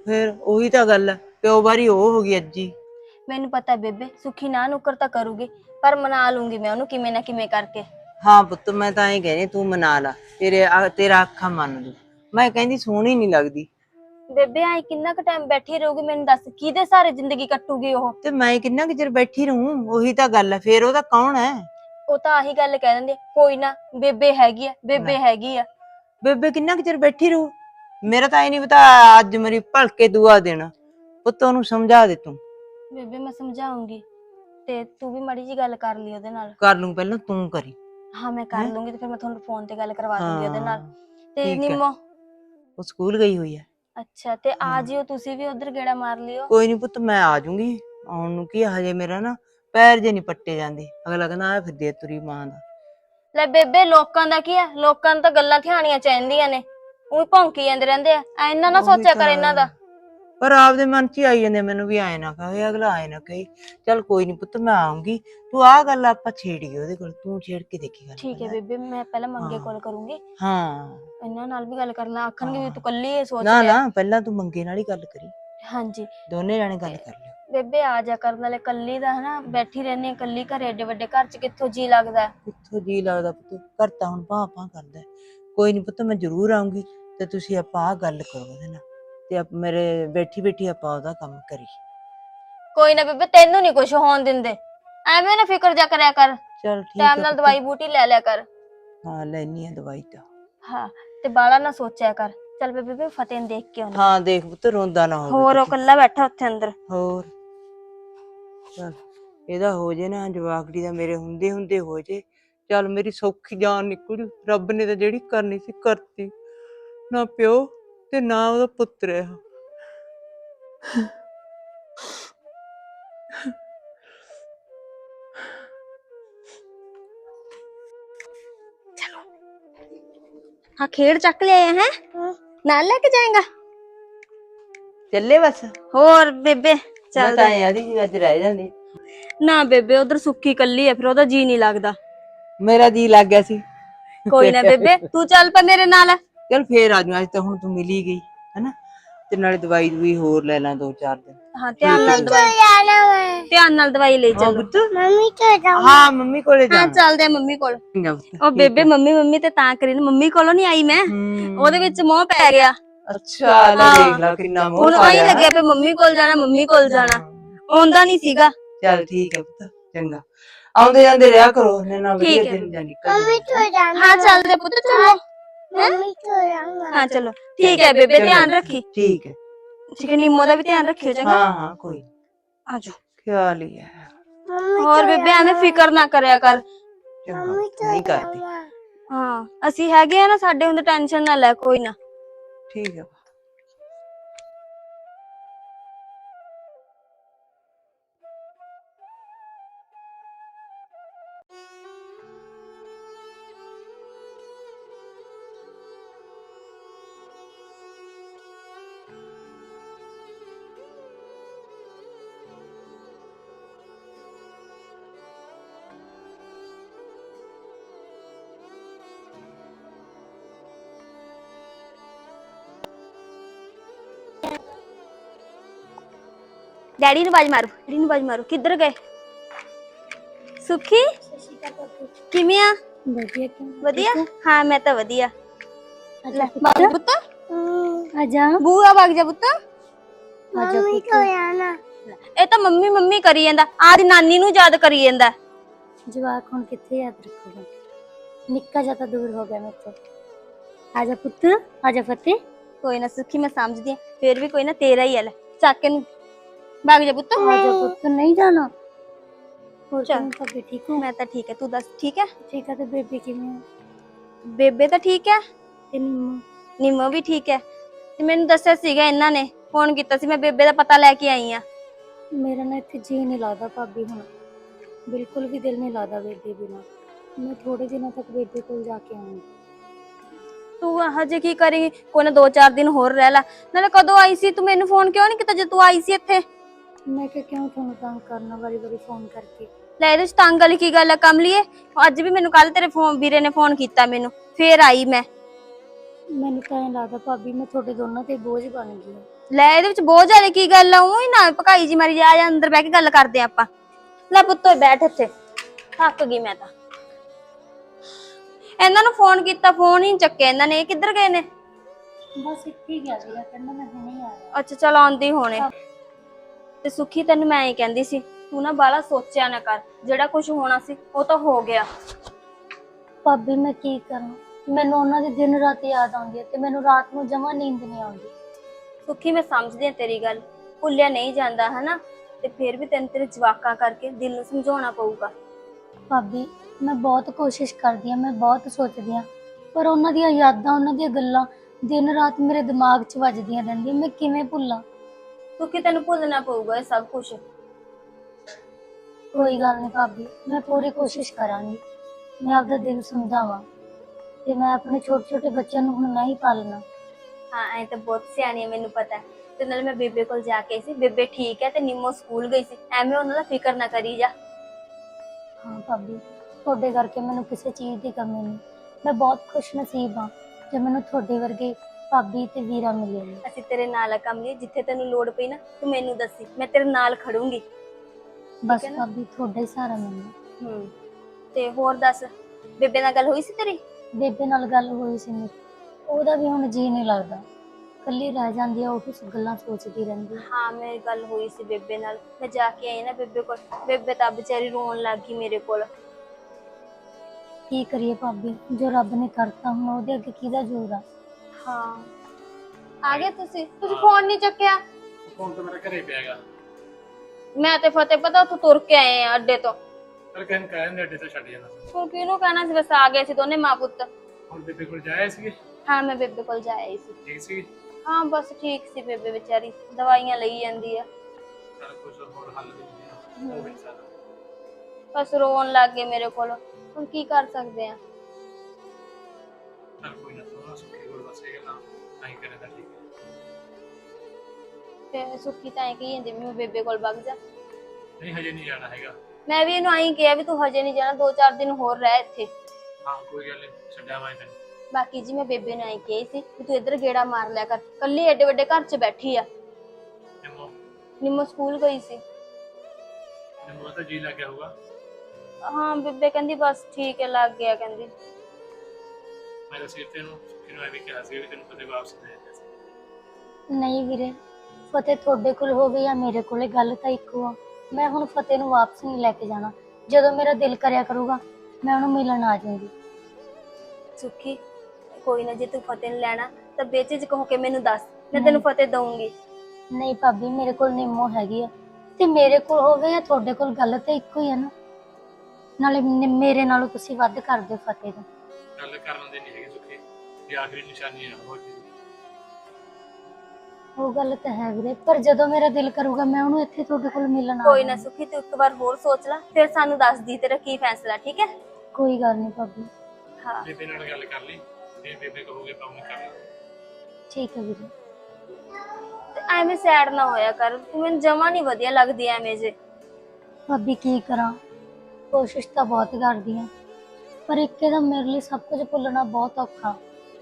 Speaker 6: ਫਿਰ ਉਹੀ ਤਾਂ ਗੱਲ ਹੈ, ਪਿਓ ਵਾਰੀ ਉਹ ਹੋ ਗਈ ਅੱਜ ਹੀ।
Speaker 2: ਮੈਨੂੰ ਪਤਾ ਬੇਬੇ ਸੁੱਖੀ ਨਾ ਨੁਕਰ ਤਾਂ ਕਰੂਗੀ, ਪਰ ਮਨਾ ਲੂੰਗੀ ਮੈਂ ਉਹਨੂੰ ਕਿਵੇਂ ਨਾ ਕਿਵੇਂ ਕਰਕੇ।
Speaker 6: ਹਾਂ ਪੁੱਤ ਮੈਂ ਤਾਂ ਐਂ ਕਹਿੰਦੀ ਤੂੰ ਮਨਾ ਲਾ, ਤੇਰੇ ਆ- ਤੇਰਾ ਅੱਖਾਂ ਮੰਨ ਲੂ। ਮੈਂ ਕਹਿੰਦੀ ਸੋਹਣੀ ਨਹੀਂ ਲੱਗਦੀ।
Speaker 2: ਬੇਬੇ ਆਈ ਕਿੰਨਾ ਕੁ ਟਾਈਮ ਬੈਠੀ ਰਹੂਗੀ ਮੈਨੂੰ ਦੱਸ, ਕਿਹਦੇ ਸਾਰੇ ਜ਼ਿੰਦਗੀ ਕੱਟੂਗੀ ਉਹ?
Speaker 6: ਤੇ ਮੈਂ ਕਿੰਨਾ ਕੁ ਚਿਰ ਬੈਠੀ ਰਹੂੰ, ਉਹੀ ਤਾਂ ਗੱਲ ਹੈ, ਫੇਰ ਉਹਦਾ ਕੌਣ ਹੈ?
Speaker 2: ਉਹ ਤਾਂ ਆਹੀ ਗੱਲ ਕਹਿ ਦਿੰਦੇ, ਕੋਈ ਨਾ ਬੇਬੇ ਹੈਗੀ ਆ, ਬੇਬੇ ਹੈਗੀ ਆ।
Speaker 6: ਬੇਬੇ ਕਿੰਨਾ ਕੁ ਚਿਰ ਬੈਠੀ ਰਹੂ? ਮੇਰਾ ਤਾਂ ਇਹ ਨਹੀਂ ਪਤਾ ਅੱਜ ਮੇਰੀ ਭਲਕੇ ਦੁਆ ਦੇਣਾ। ਪੁੱਤ ਉਹਨੂੰ ਸਮਝਾ ਦੇ ਤੂੰ।
Speaker 2: ਬੇਬੇ ਮੈਂ ਸਮਝਾਉਂਗੀ, ਤੇ ਤੂੰ ਵੀ ਮਾੜੀ ਜੀ ਗੱਲ ਕਰ ਲਈ ਉਹਦੇ ਨਾਲ।
Speaker 6: ਕਰ ਲੂੰ, ਪਹਿਲਾਂ ਤੂੰ ਕਰੀ।
Speaker 2: ਹਾਂ ਮੈਂ ਕਰ
Speaker 6: ਹੈਂ?
Speaker 2: ਲੂੰਗੀ, ਤੇ ਫਿਰ ਮੈਂ ਤੁਹਾਨੂੰ ਫੋਨ ਤੇ ਗੱਲ ਕਰਵਾ ਦੂੰਗੀ ਉਹਦੇ ਨਾਲ।
Speaker 6: ਹਾਂ
Speaker 2: ਤੇ
Speaker 6: ਠੀਕ ਹੈ।
Speaker 2: ਨਿੰਮੋ,
Speaker 6: ਉਹ ਸਕੂਲ ਗਈ ਹੋਈ ਹੈ।
Speaker 2: ਅੱਛਾ ਤੇ ਆ
Speaker 6: ਹਾਂ।
Speaker 2: ਜਿਓ ਤੁਸੀਂ ਵੀ ਉਧਰ ਗੇੜਾ ਮਾਰ ਲਿਓ।
Speaker 6: ਕੋਈ ਨਹੀਂ ਪੁੱਤ ਮੈਂ ਆ ਜਾਊਂਗੀ, ਆਉਣ ਨੂੰ ਕੀ ਆ, ਹਜੇ ਮੇਰਾ ਨਾ ਪੈਰ ਜੇ ਨਹੀਂ ਪੱਟੇ ਜਾਂਦੇ। ਅਗਲਾ ਕਹਿੰਦਾ ਆ ਫਿਰ ਦੇ ਤੁਰੀ ਮਾਂ ਦਾ।
Speaker 2: ਲੈ ਬੇਬੇ ਲੋਕਾਂ ਦਾ ਕੀ ਆ, ਲੋਕਾਂ ਨੂੰ ਤਾਂ ਗੱਲਾਂ ਥਿਆਣੀਆਂ ਚਾਹੀਦੀਆਂ ਨੇ, ਉਹ ਭੌਂਕੀ ਜਾਂਦੇ ਰਹਿੰਦੇ ਆ, ਐ ਇਹਨਾਂ ਨਾ
Speaker 6: ਉਹੀ
Speaker 2: ਸੋਚਿਆ ਕਰ
Speaker 6: ਤਾਂ
Speaker 2: ਇਹਨਾਂ ਦਾ।
Speaker 6: ਪਰ ਆਪਦੇ ਮਨ ਚ ਹੀ ਆਈ ਜਾਂਦੇ ਮੈਨੂੰ ਵੀ ਆਏ ਨਾ ਕਹੇ, ਅਗਲਾ ਆਏ ਨਾ ਕਹੇ। ਚੱਲ ਕੋਈ ਨਹੀਂ ਪੁੱਤ ਮੈਂ ਆਉਂਗੀ, ਤੂੰ ਆਹ ਗੱਲ ਆਪਾਂ ਛੇੜੀਏ ਉਹਦੇ ਕੋਲ, ਤੂੰ ਛੇੜ ਕੇ ਦੇਖੀ ਗੱਲ
Speaker 2: ਠੀਕ ਹੈ
Speaker 6: ਪਹਿਲਾਂ।
Speaker 2: ਬੇਬੇ, ਮੈਂ ਪਹਿਲਾਂ ਮੰਗੇ
Speaker 6: ਹਾਂ।
Speaker 2: ਕਾਲ ਕਰੂੰਗੀ,
Speaker 6: ਹਾਂ
Speaker 2: ਇਹਨਾਂ ਨਾਲ ਵੀ ਗੱਲ ਕਰਨਾ, ਆਖਣਗੇ ਵੀ
Speaker 6: ਹਾਂ।
Speaker 2: ਤੂੰ ਕੱਲੀ ਇਹ ਸੋਚ
Speaker 6: ਨਾ
Speaker 2: ਲਿਆ।
Speaker 6: ਨਾ ਪਹਿਲਾਂ ਤੂੰ ਮੰਗੇ ਨਾਲ ਹੀ ਗੱਲ ਕਰੀ,
Speaker 2: ਹਾਂਜੀ
Speaker 6: ਦੋਨੇ ਜਾਣੇ ਗੱਲ ਕਰ ਲਿਓ।
Speaker 2: ਬੇਬੇ ਆ ਜਾ ਕਰਨ ਵਾਲੇ, ਕੱਲੀ ਦਾ ਹਨਾ ਬੈਠੀ ਰਹਿੰਦੀ ਆ, ਕੱਲੀ ਘਰੇ ਏਡੇ ਵੱਡੇ ਘਰ ਚ ਕਿੱਥੋਂ ਜੀ ਲੱਗਦਾ।
Speaker 6: ਕਿੱਥੋਂ ਜੀ ਲੱਗਦਾ ਪੁੱਤ, ਘਰ ਤਾਂ ਹੁਣ ਭਾਂ ਭਾਂ ਕਰਦਾ। ਕੋਈ ਨਹੀਂ ਪੁੱਤ ਮੈਂ ਜ਼ਰੂਰ ਆਉਂਗੀ, ਤੇ ਤੁਸੀਂ ਆਪਾਂ ਆਹ ਗੱਲ ਕਰੋ ਉਹਦੇ ਨਾਲ, ਤੇ ਆਪ ਮੇਰੇ ਬੈਠੀ ਬੈਠੀ ਆਪਾਂ ਉਹਦਾ ਕੰਮ ਕਰੀ।
Speaker 2: ਕੋਈ ਨਾ ਬੇਬੇ ਤੈਨੂੰ ਨਹੀਂ ਕੁਝ ਹੋਣ ਦਿੰਦੇ, ਐਵੇਂ ਨਾ ਫਿਕਰ ਜਾ ਕਰਿਆ ਕਰ,
Speaker 6: ਚਲ ਠੀਕ
Speaker 2: ਟਾਈਮ
Speaker 6: ਹੈ
Speaker 2: ਨਾਲ
Speaker 6: ਪੁੱਤ।
Speaker 2: ਦਵਾਈ ਬੂਟੀ ਲੈ ਲਿਆ ਕਰ।
Speaker 6: ਹਾਂ ਲੈਣੀ ਆ ਦਵਾਈ ਤਾਂ।
Speaker 2: ਹਾਂ ਤੇ ਬਾਲਾ ਨਾ ਸੋਚਿਆ ਕਰ। ਚੱਲ ਬੇਬੇ ਮੈਂ ਫਤਿਹ ਨੂੰ ਦੇਖ ਕੇ ਆਉਂਦੀ।
Speaker 6: ਹਾਂ ਦੇਖ ਪੁੱਤ ਰੋਂਦਾ ਨਾ ਹੋਵੇ
Speaker 2: ਹੋਰ ਉਹ
Speaker 6: ਕਿਤੇ।
Speaker 2: ਕੱਲਾ ਬੈਠਾ ਉੱਥੇ ਅੰਦਰ।
Speaker 6: ਹੋਰ ਚੱਲ ਇਹਦਾ ਹੋ ਜੇ ਨਾ, ਜਵਾਕੜੀ ਦਾ ਮੇਰੇ ਹੁੰਦੇ ਹੁੰਦੇ ਹੋ ਜੇ। ਚੱਲ ਮੇਰੀ ਸੌਖੀ ਜਾਨ ਨਿਕਲ, ਰੱਬ ਨੇ ਤਾਂ ਜਿਹੜੀ ਕਰਨੀ ਸੀ ਕਰਤੀ, ਨਾ ਪਿਓ ਤੇ ਨਾ ਉਹਦਾ ਪੁੱਤ ਰਿਹਾ।
Speaker 2: ਹਾਂ ਖੇਡ ਚੱਕ ਲਿਆ ਹੈ, ਨਾਲ ਲੈ ਕੇ ਜਾਏਗਾ?
Speaker 6: ਚੱਲੇ ਬਸ।
Speaker 2: ਹੋਰ ਬੇਬੇ
Speaker 6: ਮੈਂ
Speaker 2: ਚੱਲ
Speaker 6: ਤਾਂ ਆਇਆ ਦੀ ਅੱਜ ਰਹਿ ਜਾਂਦੀ।
Speaker 2: ਨਾ ਬੇਬੇ ਉਧਰ ਸੁੱਕੀ ਕੱਲੀ ਹੈ, ਫਿਰ ਉਹਦਾ ਜੀ ਨਹੀਂ ਲੱਗਦਾ।
Speaker 6: ਮੇਰਾ ਜੀ ਲੱਗ ਗਿਆ ਸੀ।
Speaker 2: ਕੋਈ ਨਾ ਬੇਬੇ ਤੂੰ ਚੱਲ ਪਾ ਮੇਰੇ ਨਾਲ।
Speaker 6: ਚੱਲ ਫੇਰ ਆ ਜਾਊਂ, ਅੱਜ ਤਾਂ ਹੁਣ ਤੂੰ ਮਿਲੀ ਗਈ ਹੈਨਾ, ਤੇ ਨਾਲੇ ਦਵਾਈ ਦੂਈ ਹੋਰ ਲੈ ਲਾਂ ਦੋ ਚਾਰ ਦਿਨ।
Speaker 2: ਹਾਂ ਧਿਆਨ ਨਾਲ ਦਵਾਈ, ਧਿਆਨ ਨਾਲ ਦਵਾਈ ਲੈ ਚੱਲੋ।
Speaker 6: ਮੰਮੀ ਕੋਲ ਹਾਂ ਮੰਮੀ ਕੋਲੇ ਜਾ।
Speaker 2: ਹਾਂ ਚੱਲਦੇ ਆ ਮੰਮੀ ਕੋਲ। ਉਹ ਬੇਬੇ ਮੰਮੀ ਮੰਮੀ ਤੇ ਤਾਂ ਕਰੀ ਨਾ, ਮੰਮੀ ਕੋਲੋਂ ਨਹੀਂ ਆਈ ਮੈਂ, ਉਹਦੇ ਵਿੱਚ ਮੋਹ ਪੈ ਗਿਆ।
Speaker 6: ਅੱਛਾ ਲੈ ਦੇਖ ਲਾ ਕਿੰਨਾ ਮੋਹ
Speaker 2: ਹੁਣ
Speaker 6: ਪਾ
Speaker 2: ਆਈ
Speaker 6: ਲਿਆ।
Speaker 2: ਲੱਗਿਆ ਪਏ ਮੰਮੀ ਕੋਲ ਜਾਣਾ, ਮੰਮੀ ਕੋਲ ਜਾਣਾ, ਆਉਂਦਾ ਨਹੀਂ ਸੀਗਾ।
Speaker 6: ਚੱਲ ਠੀਕ ਹੈ ਪੁੱਤ, ਚੰਗਾ ਆਉਂਦੇ ਜਾਂਦੇ ਰਿਹਾ ਕਰੋ, ਨੇ ਨਾ ਵਧੀਆ
Speaker 2: ਠੀਕ ਹੈ।
Speaker 6: ਦਿਨ ਜਾਂ ਨਿਕਲ।
Speaker 2: ਹਾਂ ਚੱਲਦੇ ਪੁੱਤ ਚਲੋ। ਹਾਂ ਚਲੋ ਠੀਕ ਹੈ ਬੇਬੇ, ਧਿਆਨ ਰੱਖੀ।
Speaker 6: ਠੀਕ ਹੈ।
Speaker 2: ਠੀਕ ਹੈ, ਨਿੰਮੋ ਦਾ ਵੀ ਧਿਆਨ ਰੱਖਿਓ ਚੰਗਾ।
Speaker 6: ਹਾਂ ਹਾਂ ਕੋਈ
Speaker 2: ਆਜੋ।
Speaker 6: ਖਿਆਲ ਹੀ ਹੈ।
Speaker 2: ਹੋਰ ਬੇਬੇ ਐਵੇਂ ਫਿਕਰ ਨਾ ਕਰਿਆ ਕਰ।
Speaker 6: ਚੰਗਾ ਨਹੀਂ ਕਰਦੀ।
Speaker 2: ਹਾਂ ਅਸੀਂ ਹੈਗੇ ਆ ਨਾ, ਸਾਡੇ ਹੁੰਦੇ ਟੈਨਸ਼ਨ ਨਾ ਲੈ ਕੋਈ ਨਾ।
Speaker 6: ਠੀਕ ਹੈ।
Speaker 2: ਡੈਡੀ ਨੂੰ ਬਾਜ ਮਾਰੋ, ਡੈਡੀ ਨੂੰ ਬਾਜ ਮਾਰੋ। ਕਿੱਧਰ ਗਏ? ਸੁਖੀ ਕਿਵੇਂ ਆ?
Speaker 1: ਵਧੀਆ
Speaker 2: ਵਧੀਆ। ਹਾਂ ਮੈਂ ਤਾਂ ਵਧੀਆ। ਲੈ
Speaker 1: ਪੁੱਤ
Speaker 2: ਪੁੱਤ
Speaker 1: ਆਜਾ
Speaker 2: ਬੂਆ ਵਗ ਜਾ ਪੁੱਤ।
Speaker 1: ਆਜਾ ਪੁੱਤ।
Speaker 2: ਇਹ ਤਾਂ ਮੰਮੀ ਮੰਮੀ ਕਰੀ ਜਾਂਦਾ, ਆਦੀ ਨਾਨੀ ਨੂੰ ਯਾਦ ਕਰੀ ਜਾਂਦਾ।
Speaker 1: ਜਵਾਕ ਹੁਣ ਕਿੱਥੇ ਯਾਦ ਰੱਖੂਗਾ, ਨਿੱਕਾ ਜਿਹਾ ਤਾਂ ਦੂਰ ਹੋ ਗਿਆ ਮੇਰੇ ਤੋਂ। ਆਜਾ ਪੁੱਤ, ਆਜਾ ਫਤਿਹ।
Speaker 2: ਕੋਈ ਨਾ ਸੁਖੀ ਮੈਂ ਸਮਝਦੀ ਆ, ਫੇਰ ਵੀ ਕੋਈ ਨਾ ਤੇਰਾ ਹੀ ਆ। ਲੈ ਚੱਕ ਨੂੰ ਵਗ ਜਾ ਪੁੱਤ।
Speaker 1: ਆਜਾ ਪੁੱਤ, ਨਹੀਂ ਜਾਣਾ। ਹੋਰ
Speaker 2: ਚੱਲ।
Speaker 1: ਕਿਵੇਂ ਭਾਬੀ ਠੀਕ ਹੋ?
Speaker 2: ਮੈਂ ਤਾਂ ਠੀਕ ਹੈ, ਤੂੰ ਦੱਸ ਠੀਕ ਹੈ?
Speaker 1: ਠੀਕ ਹੈ। ਤੇ ਬੇਬੀ ਕਿਵੇਂ ਹੈ?
Speaker 2: ਬੇਬੇ ਤਾਂ ਠੀਕ ਹੈ,
Speaker 1: ਤੇ ਨਿੰਮੋ?
Speaker 2: ਨਿੰਮੋ ਵੀ ਠੀਕ ਹੈ। ਤੇ ਮੈਨੂੰ ਦੱਸਿਆ ਸੀਗਾ ਇਹਨਾਂ ਨੇ, ਫੋਨ ਕੀਤਾ ਸੀ, ਮੈਂ ਬੇਬੇ ਦਾ ਪਤਾ ਲੈ ਕੇ ਆਈ ਆ।
Speaker 1: ਮੇਰਾ ਨਾ ਇੱਥੇ ਜੀ ਨਹੀਂ ਲੱਗਦਾ ਭਾਬੀ, ਹੁਣ ਬਿਲਕੁਲ ਵੀ ਦਿਲ ਨਹੀਂ ਲੱਗਦਾ ਬੇਬੇ ਬਿਨਾਂ। ਮੈਂ ਥੋੜੇ ਦਿਨਾਂ ਤੱਕ ਬੇਬੇ ਕੋਲ ਜਾ ਕੇ ਆਉਂਗੀ।
Speaker 2: ਤੂੰ ਹਜੇ ਕੀ ਕਰੀ, ਕੋਈ ਨਾ ਦੋ ਚਾਰ ਦਿਨ ਹੋਰ ਰਹਿ ਲੈ। ਨਾਲੇ ਕਦੋਂ ਆਈ ਸੀ ਤੂੰ, ਮੈਨੂੰ ਫੋਨ ਕਿਉਂ ਨਹੀਂ ਕੀਤਾ ਜੇ ਤੂੰ ਆਈ ਸੀ ਇੱਥੇ?
Speaker 1: ਮੈਂ ਕਿਹਾ ਕਿਉਂ ਤੁਹਾਨੂੰ ਤੰਗ ਕਰਨਾ ਵਾਰੀ ਵਾਰੀ ਫੋਨ ਕਰਕੇ।
Speaker 2: ਲੈ ਇਹਦੇ ਚ ਤੰਗ ਵਾਲੀ ਕੀ ਗੱਲ ਹੈ ਕਮਲੀਏ? ਅੱਜ ਵੀ ਮੈਨੂੰ ਕੱਲ ਤੇਰੇ ਫੋਨ ਵੀਰੇ ਨੇ ਫੋਨ ਕੀਤਾ ਮੈਨੂੰ, ਫੇਰ ਆਈ ਮੈਂ।
Speaker 1: ਮੈਨੂੰ ਤਾਂ ਐਂ ਲੱਗਦਾ ਭਾਬੀ ਮੈਂ ਤੁਹਾਡੇ ਦੋਨਾਂ ਤੇ ਬੋਝ ਬਣ ਗਈ ਹਾਂ।
Speaker 2: ਲੈ ਇਹਦੇ ਵਿੱਚ ਬਹੁਤ ਜ਼ਿਆਦਾ ਕੀ ਗੱਲ ਆ ਉਹੀ ਨਾ ਭਕਾਈ ਜੀ ਮਾਰੀ ਜਾ ਜਾ ਅੰਦਰ ਬਹਿ ਕੇ ਗੱਲ ਕਰਦੇ ਆ ਆਪਾਂ। ਲੈ ਪੁੱਤੋ ਬੈਠ ਇੱਥੇ ਥੱਕ ਗਈ ਮੈਂ ਤਾਂ। ਇਹਨਾਂ ਨੂੰ ਫੋਨ ਕੀਤਾ ਫੋਨ ਹੀ ਨੀ ਚੱਕਿਆ ਇਹਨਾਂ ਨੇ। ਇਹ ਕਿੱਧਰ ਗਏ ਨੇ?
Speaker 1: ਬਸ ਇੱਥੇ ਹੀ ਗਿਆ ਸੀਗਾ, ਕਹਿੰਦਾ ਮੈਂ ਹੁਣੇ ਆ ਰਿਹਾ।
Speaker 2: ਅੱਛਾ ਚਲ ਆਉਂਦੇ ਹੋਣੇ। ਤੇ ਸੁਖੀ ਤੈਨੂੰ ਮੈਂ ਇਹ ਕਹਿੰਦੀ ਸੀ ਤੂੰ ਨਾ ਬਾਹਲਾ ਸੋਚਿਆ ਨਾ ਕਰ, ਜਿਹੜਾ ਕੁਝ ਹੋਣਾ ਸੀ ਉਹ ਤਾਂ ਹੋ ਗਿਆ।
Speaker 1: ਭਾਬੀ ਮੈਂ ਕੀ ਕਰਾਂ, ਮੈਨੂੰ ਉਹਨਾਂ ਦੀ ਦਿਨ ਰਾਤ ਯਾਦ ਆਉਂਦੀ ਹੈ ਤੇ ਮੈਨੂੰ ਰਾਤ ਨੂੰ ਜਮਾਂ ਨੀਂਦ ਨਹੀਂ ਆਉਂਦੀ।
Speaker 2: ਸੁਖੀ ਮੈਂ ਸਮਝਦੀ ਹਾਂ ਤੇਰੀ ਗੱਲ, ਭੁੱਲਿਆ ਨਹੀਂ ਜਾਂਦਾ ਹਨਾ, ਤੇ ਫਿਰ ਵੀ ਤੈਨੂੰ ਤੇਰੇ ਜਵਾਕਾਂ ਕਰਕੇ ਦਿਲ ਨੂੰ ਸਮਝਾਉਣਾ ਪਊਗਾ।
Speaker 1: ਭਾਬੀ ਮੈਂ ਬਹੁਤ ਕੋਸ਼ਿਸ਼ ਕਰਦੀ ਹਾਂ, ਮੈਂ ਬਹੁਤ ਸੋਚਦੀ ਹਾਂ, ਪਰ ਉਹਨਾਂ ਦੀਆਂ ਯਾਦਾਂ, ਉਹਨਾਂ ਦੀਆਂ ਗੱਲਾਂ ਦਿਨ ਰਾਤ ਮੇਰੇ ਦਿਮਾਗ 'ਚ ਵੱਜਦੀਆਂ ਰਹਿੰਦੀਆਂ। ਮੈਂ ਕਿਵੇਂ ਭੁੱਲਾਂ?
Speaker 2: ਸੁਖੀ ਤੈਨੂੰ ਭੁੱਲਣਾ ਪਊਗਾ ਇਹ ਸਭ ਕੁਝ।
Speaker 1: ਕੋਈ ਗੱਲ ਨਹੀਂ ਭਾਬੀ, ਮੈਂ ਪੂਰੀ ਕੋਸ਼ਿਸ਼ ਕਰਾਂਗੀ। ਮੈਂ ਆਪਦਾ ਦਿਲ ਸਮਝਾਵਾਂ ਤੇ ਮੈਂ ਆਪਣੇ ਛੋਟੇ ਛੋਟੇ ਬੱਚਿਆਂ ਨੂੰ ਹੁਣ ਮੈਂ ਹੀ ਪਾਲਣਾ।
Speaker 2: ਹਾਂ ਐ ਤਾਂ ਬਹੁਤ ਸਿਆਣੀ ਹੈ, ਮੈਨੂੰ ਪਤਾ ਹੈ। ਤੇ ਨਾਲ ਮੈਂ ਬੇਬੇ ਕੋਲ ਜਾ ਕੇ ਸੀ, ਬੇਬੇ ਠੀਕ ਹੈ ਤੇ ਨਿੰਮੋ ਸਕੂਲ ਗਈ ਸੀ, ਐਵੇਂ ਉਹਨਾਂ ਦਾ ਫਿਕਰ ਨਾ ਕਰੀ ਜਾ।
Speaker 1: ਹਾਂ ਭਾਬੀ, ਤੁਹਾਡੇ ਕਰਕੇ ਮੈਨੂੰ ਕਿਸੇ ਚੀਜ਼ ਦੀ ਕਮੀ ਨਹੀਂ। ਮੈਂ ਬਹੁਤ ਖੁਸ਼ ਨਸੀਬ ਹਾਂ ਜੇ ਮੈਨੂੰ ਤੁਹਾਡੇ ਵਰਗੇ ਭਾਬੀ ਤੇ ਵੀਰਾ ਮਿਲੇ ਨੇ।
Speaker 2: ਅਸੀਂ ਤੇਰੇ ਨਾਲ ਆ ਕਮਲੀ, ਜਿੱਥੇ ਤੈਨੂੰ ਲੋੜ ਪਈ ਨਾ ਤੂੰ ਮੈਨੂੰ ਦੱਸੀ, ਮੈਂ ਤੇਰੇ ਨਾਲ ਖੜੂੰਗੀ।
Speaker 1: ਬਸ ਭਾਬੀ ਤੁਹਾਡਾ ਹੀ ਸਹਾਰਾ ਮੈਨੂੰ।
Speaker 2: ਹੂੰ ਤੇ ਹੋਰ ਦੱਸ, ਬੇਬੇ ਨਾਲ ਗੱਲ ਹੋਈ ਸੀ ਤੇਰੀ?
Speaker 1: ਬੇਬੇ ਨਾਲ ਗੱਲ ਹੋਈ ਸੀ ਮੇਰੀ, ਉਹਦਾ ਵੀ ਹੁਣ ਜੀ ਨਹੀਂ ਲੱਗਦਾ, ਇਕੱਲੀ ਰਹਿ ਜਾਂਦੀ ਆ, ਉਹ ਕੁਛ ਗੱਲਾਂ ਸੋਚਦੀ ਰਹਿੰਦੀ ਆ।
Speaker 2: ਹਾਂ ਮੇਰੀ ਗੱਲ ਹੋਈ ਸੀ ਬੇਬੇ ਨਾਲ, ਮੈਂ ਜਾ ਕੇ ਆਈ ਨਾ ਬੇਬੇ ਕੋਲ, ਬੇਬੇ ਤਾਂ ਵਿਚਾਰੀ ਰੋਣ ਲੱਗ ਗਈ ਮੇਰੇ ਕੋਲ।
Speaker 1: ਕੀ ਕਰੀਏ ਭਾਬੀ, ਜੋ ਰੱਬ ਨੇ ਕਰਤਾ ਹੁਣ ਉਹਦੇ ਅੱਗੇ ਕਿਹਦਾ ਜ਼ੋਰ ਆ।
Speaker 2: ਹਾਂ ਆ ਗਏ ਤੁਸੀਂ? ਤੁਸੀਂ ਫੋਨ ਨਹੀਂ ਚੱਕਿਆ?
Speaker 4: ਫੋਨ ਤਾਂ ਮੇਰਾ ਘਰੇ ਪਿਆ ਹੈਗਾ।
Speaker 2: ਮੈਂ ਤੇ ਫਤਿਹ ਪਤਾ ਉੱਥੋਂ ਤੁਰ ਕੇ ਆਏ ਆ ਅੱਡੇ ਤੋਂ।
Speaker 4: ਪਰ ਕਹਿਣ ਕਹਿੰਦੇ ਅੱਡੇ ਤੋਂ ਛੱਡ ਜਾਣਾ ਸੀ।
Speaker 2: ਹੁਣ ਕਿਹਨੂੰ ਕਹਿਣਾ ਸੀ, ਬਸ ਆ ਗਏ ਸੀ ਦੋਨੇ ਮਾਂ ਪੁੱਤ।
Speaker 4: ਹੁਣ ਬੇਬੇ ਕੋਲ ਜਾਏ ਸੀਗੇ?
Speaker 2: ਹਾਂ ਮੈਂ ਬੇਬੇ ਕੋਲ ਜਾ ਆਈ ਸੀ।
Speaker 4: ਠੀਕ ਸੀ?
Speaker 2: ਹਾਂ ਬਸ ਠੀਕ ਸੀ, ਬੇਬੇ ਵਿਚਾਰੀ ਦਵਾਈਆਂ ਲਈ ਜਾਂਦੀ ਆ।
Speaker 4: ਚੱਲ ਕੁਝ ਹੋਰ ਹੱਲ ਵੀ ਨਹੀਂ ਆ, ਹੋ ਵੀ ਸਕਦਾ।
Speaker 2: ਬਸ ਰੋਣ ਲੱਗ ਗਏ ਮੇਰੇ ਕੋਲ, ਹੁਣ ਕੀ ਕਰ ਸਕਦੇ ਆ।
Speaker 4: ਚੱਲ ਕੋਈ ਨਾ, ਤੂੰ ਸੁੱਖੀ ਕੋਲ ਬਸ ਇਹ ਗੱਲਾਂ ਨਹੀਂ ਕਰੇ ਤਾਂ ਠੀਕ ਹੈ।
Speaker 2: ਤੇ ਸੁੱਖੀ ਤਾਂ ਐ ਕਹੀ ਜਾਂਦੀ ਵੀ ਮੈਂ ਬੇਬੇ ਕੋਲ ਵਗ ਜਾ।
Speaker 4: ਨਹੀਂ ਹਜੇ ਨਹੀਂ ਜਾਣਾ ਹੈਗਾ।
Speaker 2: ਮੈਂ ਵੀ ਇਹਨੂੰ ਆਈ ਕਿਹਾ ਵੀ ਤੂੰ ਹਜੇ ਨਹੀਂ ਜਾਣਾ, ਦੋ ਚਾਰ ਦਿਨ ਹੋਰ ਰਹਿ ਇੱਥੇ।
Speaker 4: ਹਾਂ ਕੋਈ ਗੱਲ ਨਹੀਂ, ਛੱਡਿਆ ਮੈਂ ਤੈਨੂੰ।
Speaker 2: ਬਾਕੀ ਜੀ ਮੈਂ ਬੇਬੇ ਨੂੰ ਆਈ ਕਹੀ ਸੀ ਵੀ ਤੂੰ ਇੱਧਰ ਗੇੜਾ ਮਾਰ ਲਿਆ ਕਰ, ਕੱਲੀ ਏਡੇ ਵੱਡੇ ਘਰ 'ਚ ਬੈਠੀ ਆ।
Speaker 4: ਨਿੰਮੋ
Speaker 2: ਨਿੰਮੋ ਸਕੂਲ ਗਈ ਸੀ।
Speaker 4: ਨਿੰਮੋ ਤਾਂ ਜੀ ਲੱਗ ਗਿਆ ਹੋਊਗਾ।
Speaker 2: ਹਾਂ ਬੇਬੇ ਕਹਿੰਦੀ ਬਸ ਠੀਕ ਹੈ, ਲੱਗ ਗਿਆ ਕਹਿੰਦੀ।
Speaker 4: ਮੈਂ ਤਾਂ ਸਿਰ ਤੈਨੂੰ ਸੁੱਖੀ ਨੂੰ ਐਵੇਂ ਕਿਹਾ ਸੀ ਵੀ ਤੈਨੂੰ ਕਦੇ ਵਾਪਸ ਦੇ ਦਿੰਦੇ ਸੀ।
Speaker 1: ਨਹੀਂ ਵੀਰੇ, ਫਤਿਹ ਤੁਹਾਡੇ ਕੋਲ ਹੋਵੇ ਜਾਂ ਮੇਰੇ ਕੋਲੇ, ਗੱਲ ਤਾਂ ਇੱਕੋ ਆ। ਮੈਂ ਹੁਣ ਫਤਿਹ ਨੂੰ ਵਾਪਸ ਨਹੀਂ ਲੈ ਕੇ ਜਾਣਾ। ਜਦੋਂ ਮੇਰਾ ਦਿਲ ਕਰਿਆ ਕਰੂਗਾ ਮੈਂ ਉਹਨੂੰ ਮਿਲਣ ਆ ਜਾਊਂਗੀ।
Speaker 2: ਸੁੱਖੀ ਕੋਈ ਨਾ, ਜੇ ਤੂੰ ਫਤਿਹ ਨੂੰ ਲੈਣਾ ਤਾਂ ਬੇਚਿਜਕ ਹੋ ਕੇ ਮੈਨੂੰ ਦੱਸ, ਮੈਂ ਤੈਨੂੰ ਫਤਿਹ ਦਊਂਗੀ।
Speaker 1: ਨਹੀਂ ਭਾਬੀ, ਮੇਰੇ ਕੋਲ ਨਿੰਮੋ ਹੈਗੀ ਆ, ਤੇ ਮੇਰੇ ਕੋਲ ਹੋਵੇ ਜਾਂ ਤੁਹਾਡੇ ਕੋਲ, ਗੱਲ ਤਾਂ ਇੱਕੋ ਹੀ ਆ ਨਾ। ਨਾਲੇ ਨਿ- ਮੇਰੇ ਨਾਲੋਂ ਤੁਸੀਂ ਵੱਧ ਕਰਦੇ ਹੋ ਫਤਿਹ ਦਾ।
Speaker 4: ਗੱਲ ਕਰਨ ਦੇ ਨਹੀਂ ਹੈਗੀ ਸੁੱਖੀ, ਇਹ ਆਖਰੀ ਨਿਸ਼ਾਨੀ ਹੈ ਹੋਰ ਕੀ।
Speaker 1: ਉਹ ਗੱਲ ਤਾਂ ਹੈ ਵੀਰੇ, ਪਰ ਜਦੋਂ ਮੇਰਾ ਦਿਲ ਕਰੂਗਾ ਮੈਂ ਉਹਨੂੰ ਇੱਥੇ ਤੁਹਾਡੇ ਕੋਲ ਮਿਲਣ ਆ
Speaker 2: ਕੋਈ ਨਾ
Speaker 1: ਜਾਊਂਗੀ।
Speaker 2: ਸੁੱਖੀ, ਤੂੰ ਇੱਕ ਵਾਰ ਹੋਰ ਸੋਚ ਲੈ, ਫਿਰ ਸਾਨੂੰ ਦੱਸ ਦੀ ਤੇਰਾ ਕੀ ਫੈਸਲਾ, ਠੀਕ ਹੈ?
Speaker 1: ਕੋਈ ਗੱਲ ਨਹੀਂ ਭਾਬੀ।
Speaker 2: ਹਾਂ
Speaker 4: ਬੇਬੇ ਨਾਲ ਗੱਲ ਕਰ ਲਈ, ਜੇ ਬੇਬੇ ਕਹੋਗੇ ਤਾਂ ਉਹਨੇ ਕਰ ਲਾ।
Speaker 1: ਠੀਕ ਹੈ ਵੀਰੇ।
Speaker 2: ਤੇ ਐਵੇਂ ਸੈਡ ਨਾ ਹੋਇਆ ਕਰ, ਤੂੰ ਮੈਨੂੰ ਜਮਾ ਨਹੀਂ ਵਧੀਆ ਲੱਗਦੀ ਐਵੇਂ ਜੇ।
Speaker 1: ਭਾਬੀ ਕੀ ਕਰਾਂ, ਕੋਸ਼ਿਸ਼ ਤਾਂ ਬਹੁਤ ਕਰਦੀ ਆ, ਪਰ ਇੱਕਦਮ ਮੇਰੇ ਲਈ ਸਭ ਕੁਝ ਭੁੱਲਣਾ ਬਹੁਤ ਔਖਾ।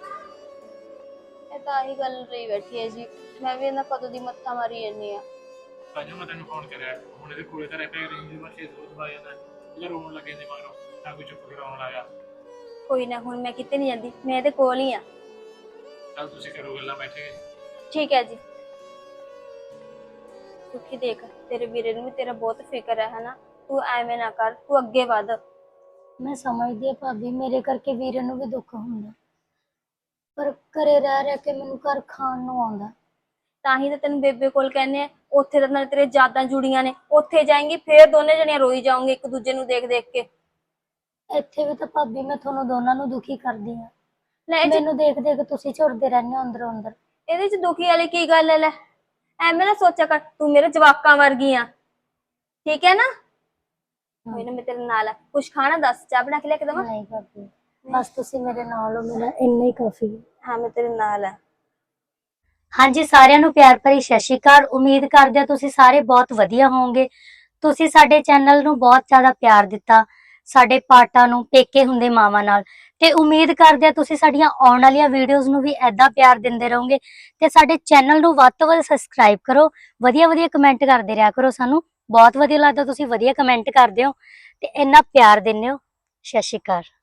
Speaker 2: ਇਹ ਤਾਂ ਆਹੀ ਗੱਲ ਰਹੀ ਬੈਠੀ ਹੈ ਜੀ, ਮੈਂ ਵੀ ਇਹਨਾਂ ਕਦੋਂ ਦੀ ਮੱਥਾ ਮਾਰੀ ਜਾਂਦੀ ਆ।
Speaker 4: ਅੱਜ ਮੈਂ ਤੈਨੂੰ ਫੋਨ ਕਰਿਆ, ਹੁਣ ਇਹਦੇ ਕੋਲੇ ਤਾਂ ਰਹਿ ਪਿਆ ਰਹੀ, ਮੈਂ ਖੇਤ ਤੋਂ ਬਾਹਰ ਜਾਂਦਾ ਇਹ ਰੋਣ ਲੱਗੇ ਨੇ ਮਗਰੋਂ, ਤਾਂ ਕੋਈ ਚੁੱਪ ਕਰਾਉਣ ਲੱਗਾ।
Speaker 2: ਕੋਈ ਨਾ, ਹੁਣ ਮੈਂ ਕਿਤੇ ਨਹੀਂ ਜਾਂਦੀ, ਮੈਂ ਇਹਦੇ ਕੋਲ ਹੀ ਆ।
Speaker 4: ਚੱਲ ਤੁਸੀਂ ਕਰੋ ਗੱਲਾਂ ਬੈਠੇ ਕੇ।
Speaker 2: ਠੀਕ ਹੈ ਜੀ। ਸੁੱਖੀ ਦੇਖ, ਤੇਰੇ ਵੀਰੇ ਨੂੰ ਵੀ ਤੇਰਾ ਬਹੁਤ ਫਿਕਰ ਹੈ ਹਨਾ, ਤੂੰ ਐਵੇਂ ਨਾ ਕਰ, ਤੂੰ ਅੱਗੇ ਵਧ।
Speaker 1: ਮੈਂ ਸਮਝਦੀ ਆ ਭਾਬੀ, ਮੇਰੇ ਕਰਕੇ ਵੀਰੇ ਨੂੰ ਵੀ ਦੁੱਖ ਹੁੰਦਾ, ਪਰ ਘਰੇ ਰਹਿ ਰਹਿ ਕੇ ਮੈਨੂੰ ਘਰ ਖਾਣ ਨੂੰ ਆਉਂਦਾ।
Speaker 2: ਤਾਂ ਹੀ ਤਾਂ ਤੈਨੂੰ ਬੇਬੇ ਕੋਲ ਕਹਿੰਦੇ ਆ, ਉੱਥੇ ਤਾਂ ਨਾਲ ਤੇਰੇ ਯਾਦਾਂ ਜੁੜੀਆਂ ਨੇ, ਉੱਥੇ ਜਾਏਂਗੀ ਫੇਰ ਦੋਨੇ ਜਣੀਆਂ ਰੋਈ ਜਾਓਗੇ ਇੱਕ ਦੂਜੇ ਨੂੰ ਦੇਖ ਦੇਖ ਕੇ।
Speaker 1: ਇੱਥੇ ਵੀ ਤਾਂ ਭਾਬੀ ਮੈਂ ਤੁਹਾਨੂੰ ਦੋਨਾਂ ਨੂੰ ਦੁਖੀ ਕਰਦੀ ਆ।
Speaker 2: ਲੈ ਇਹ 'ਚ-
Speaker 1: ਮੈਨੂੰ ਦੇਖ ਦੇਖ ਤੁਸੀਂ ਝੁਰਦੇ ਰਹਿੰਦੇ ਹੋ ਅੰਦਰੋਂ ਅੰਦਰ।
Speaker 2: ਇਹਦੇ ਚ ਦੁਖੀ ਵਾਲੀ ਕੀ ਗੱਲ ਹੈ? ਲੈ ਐਵੇਂ ਨਾ ਸੋਚਿਆ ਕਰ, ਤੂੰ ਮੇਰੇ ਜਵਾਕਾਂ ਵਰਗੀ ਆ, ਠੀਕ ਹੈ ਨਾ? ਕੋਈ ਨਾ, ਮੈਂ ਤੇਰੇ ਨਾਲ ਆ। ਕੁਛ ਖਾਣਾ ਦੱਸ, ਚਾਹ ਬਣਾ ਕੇ ਲੈ ਕੇ ਦੇਵਾਂ?
Speaker 1: ਨਹੀਂ ਭਾਬੀ, ਬਸ ਤੁਸੀਂ ਮੇਰੇ ਨਾਲ ਹੋ, ਮੇਰਾ ਇੰਨਾ ਹੀ ਕਾਫੀ ਹੈ।
Speaker 2: ਹਾਂ ਮੈਂ ਤੇਰੇ ਨਾਲ ਆ।
Speaker 1: ਹਾਂਜੀ, ਸਾਰਿਆਂ ਨੂੰ ਪਿਆਰ ਭਰੀ ਸਤਿ ਸ਼੍ਰੀ ਅਕਾਲ। ਉਮੀਦ ਕਰਦੇ ਹਾਂ ਤੁਸੀਂ ਸਾਰੇ ਬਹੁਤ ਵਧੀਆ ਹੋਵੋਗੇ। ਤੁਸੀਂ ਸਾਡੇ ਚੈਨਲ ਨੂੰ ਬਹੁਤ ਜ਼ਿਆਦਾ ਪਿਆਰ ਦਿੱਤਾ, ਸਾਡੇ ਪਾਰਟਾਂ ਨੂੰ, ਪੇਕੇ ਹੁੰਦੇ ਮਾਵਾਂ ਨਾਲ, ਤੇ ਉਮੀਦ ਕਰਦੇ ਆ ਤੁਸੀਂ ਸਾਡੀਆਂ ਆਉਣ ਵਾਲੀਆਂ ਵੀਡੀਓਜ਼ ਨੂੰ ਵੀ ਐਦਾਂ ਪਿਆਰ ਦਿੰਦੇ ਰਹੋਗੇ ਤੇ ਸਾਡੇ ਚੈਨਲ ਨੂੰ ਵੱਧ ਤੋਂ ਵੱਧ ਸਬਸਕ੍ਰਾਈਬ ਕਰੋ, ਵਧੀਆ ਵਧੀਆ ਕਮੈਂਟ ਕਰਦੇ ਰਿਹਾ ਕਰੋ। ਸਾਨੂੰ ਬਹੁਤ ਵਧੀਆ ਲੱਗਦਾ ਤੁਸੀਂ ਵਧੀਆ ਕਮੈਂਟ ਕਰਦੇ ਹੋ ਤੇ ਇੰਨਾ ਪਿਆਰ ਦਿੰਦੇ ਹੋ। ਸਤਿ ਸ਼੍ਰੀ ਅਕਾਲ।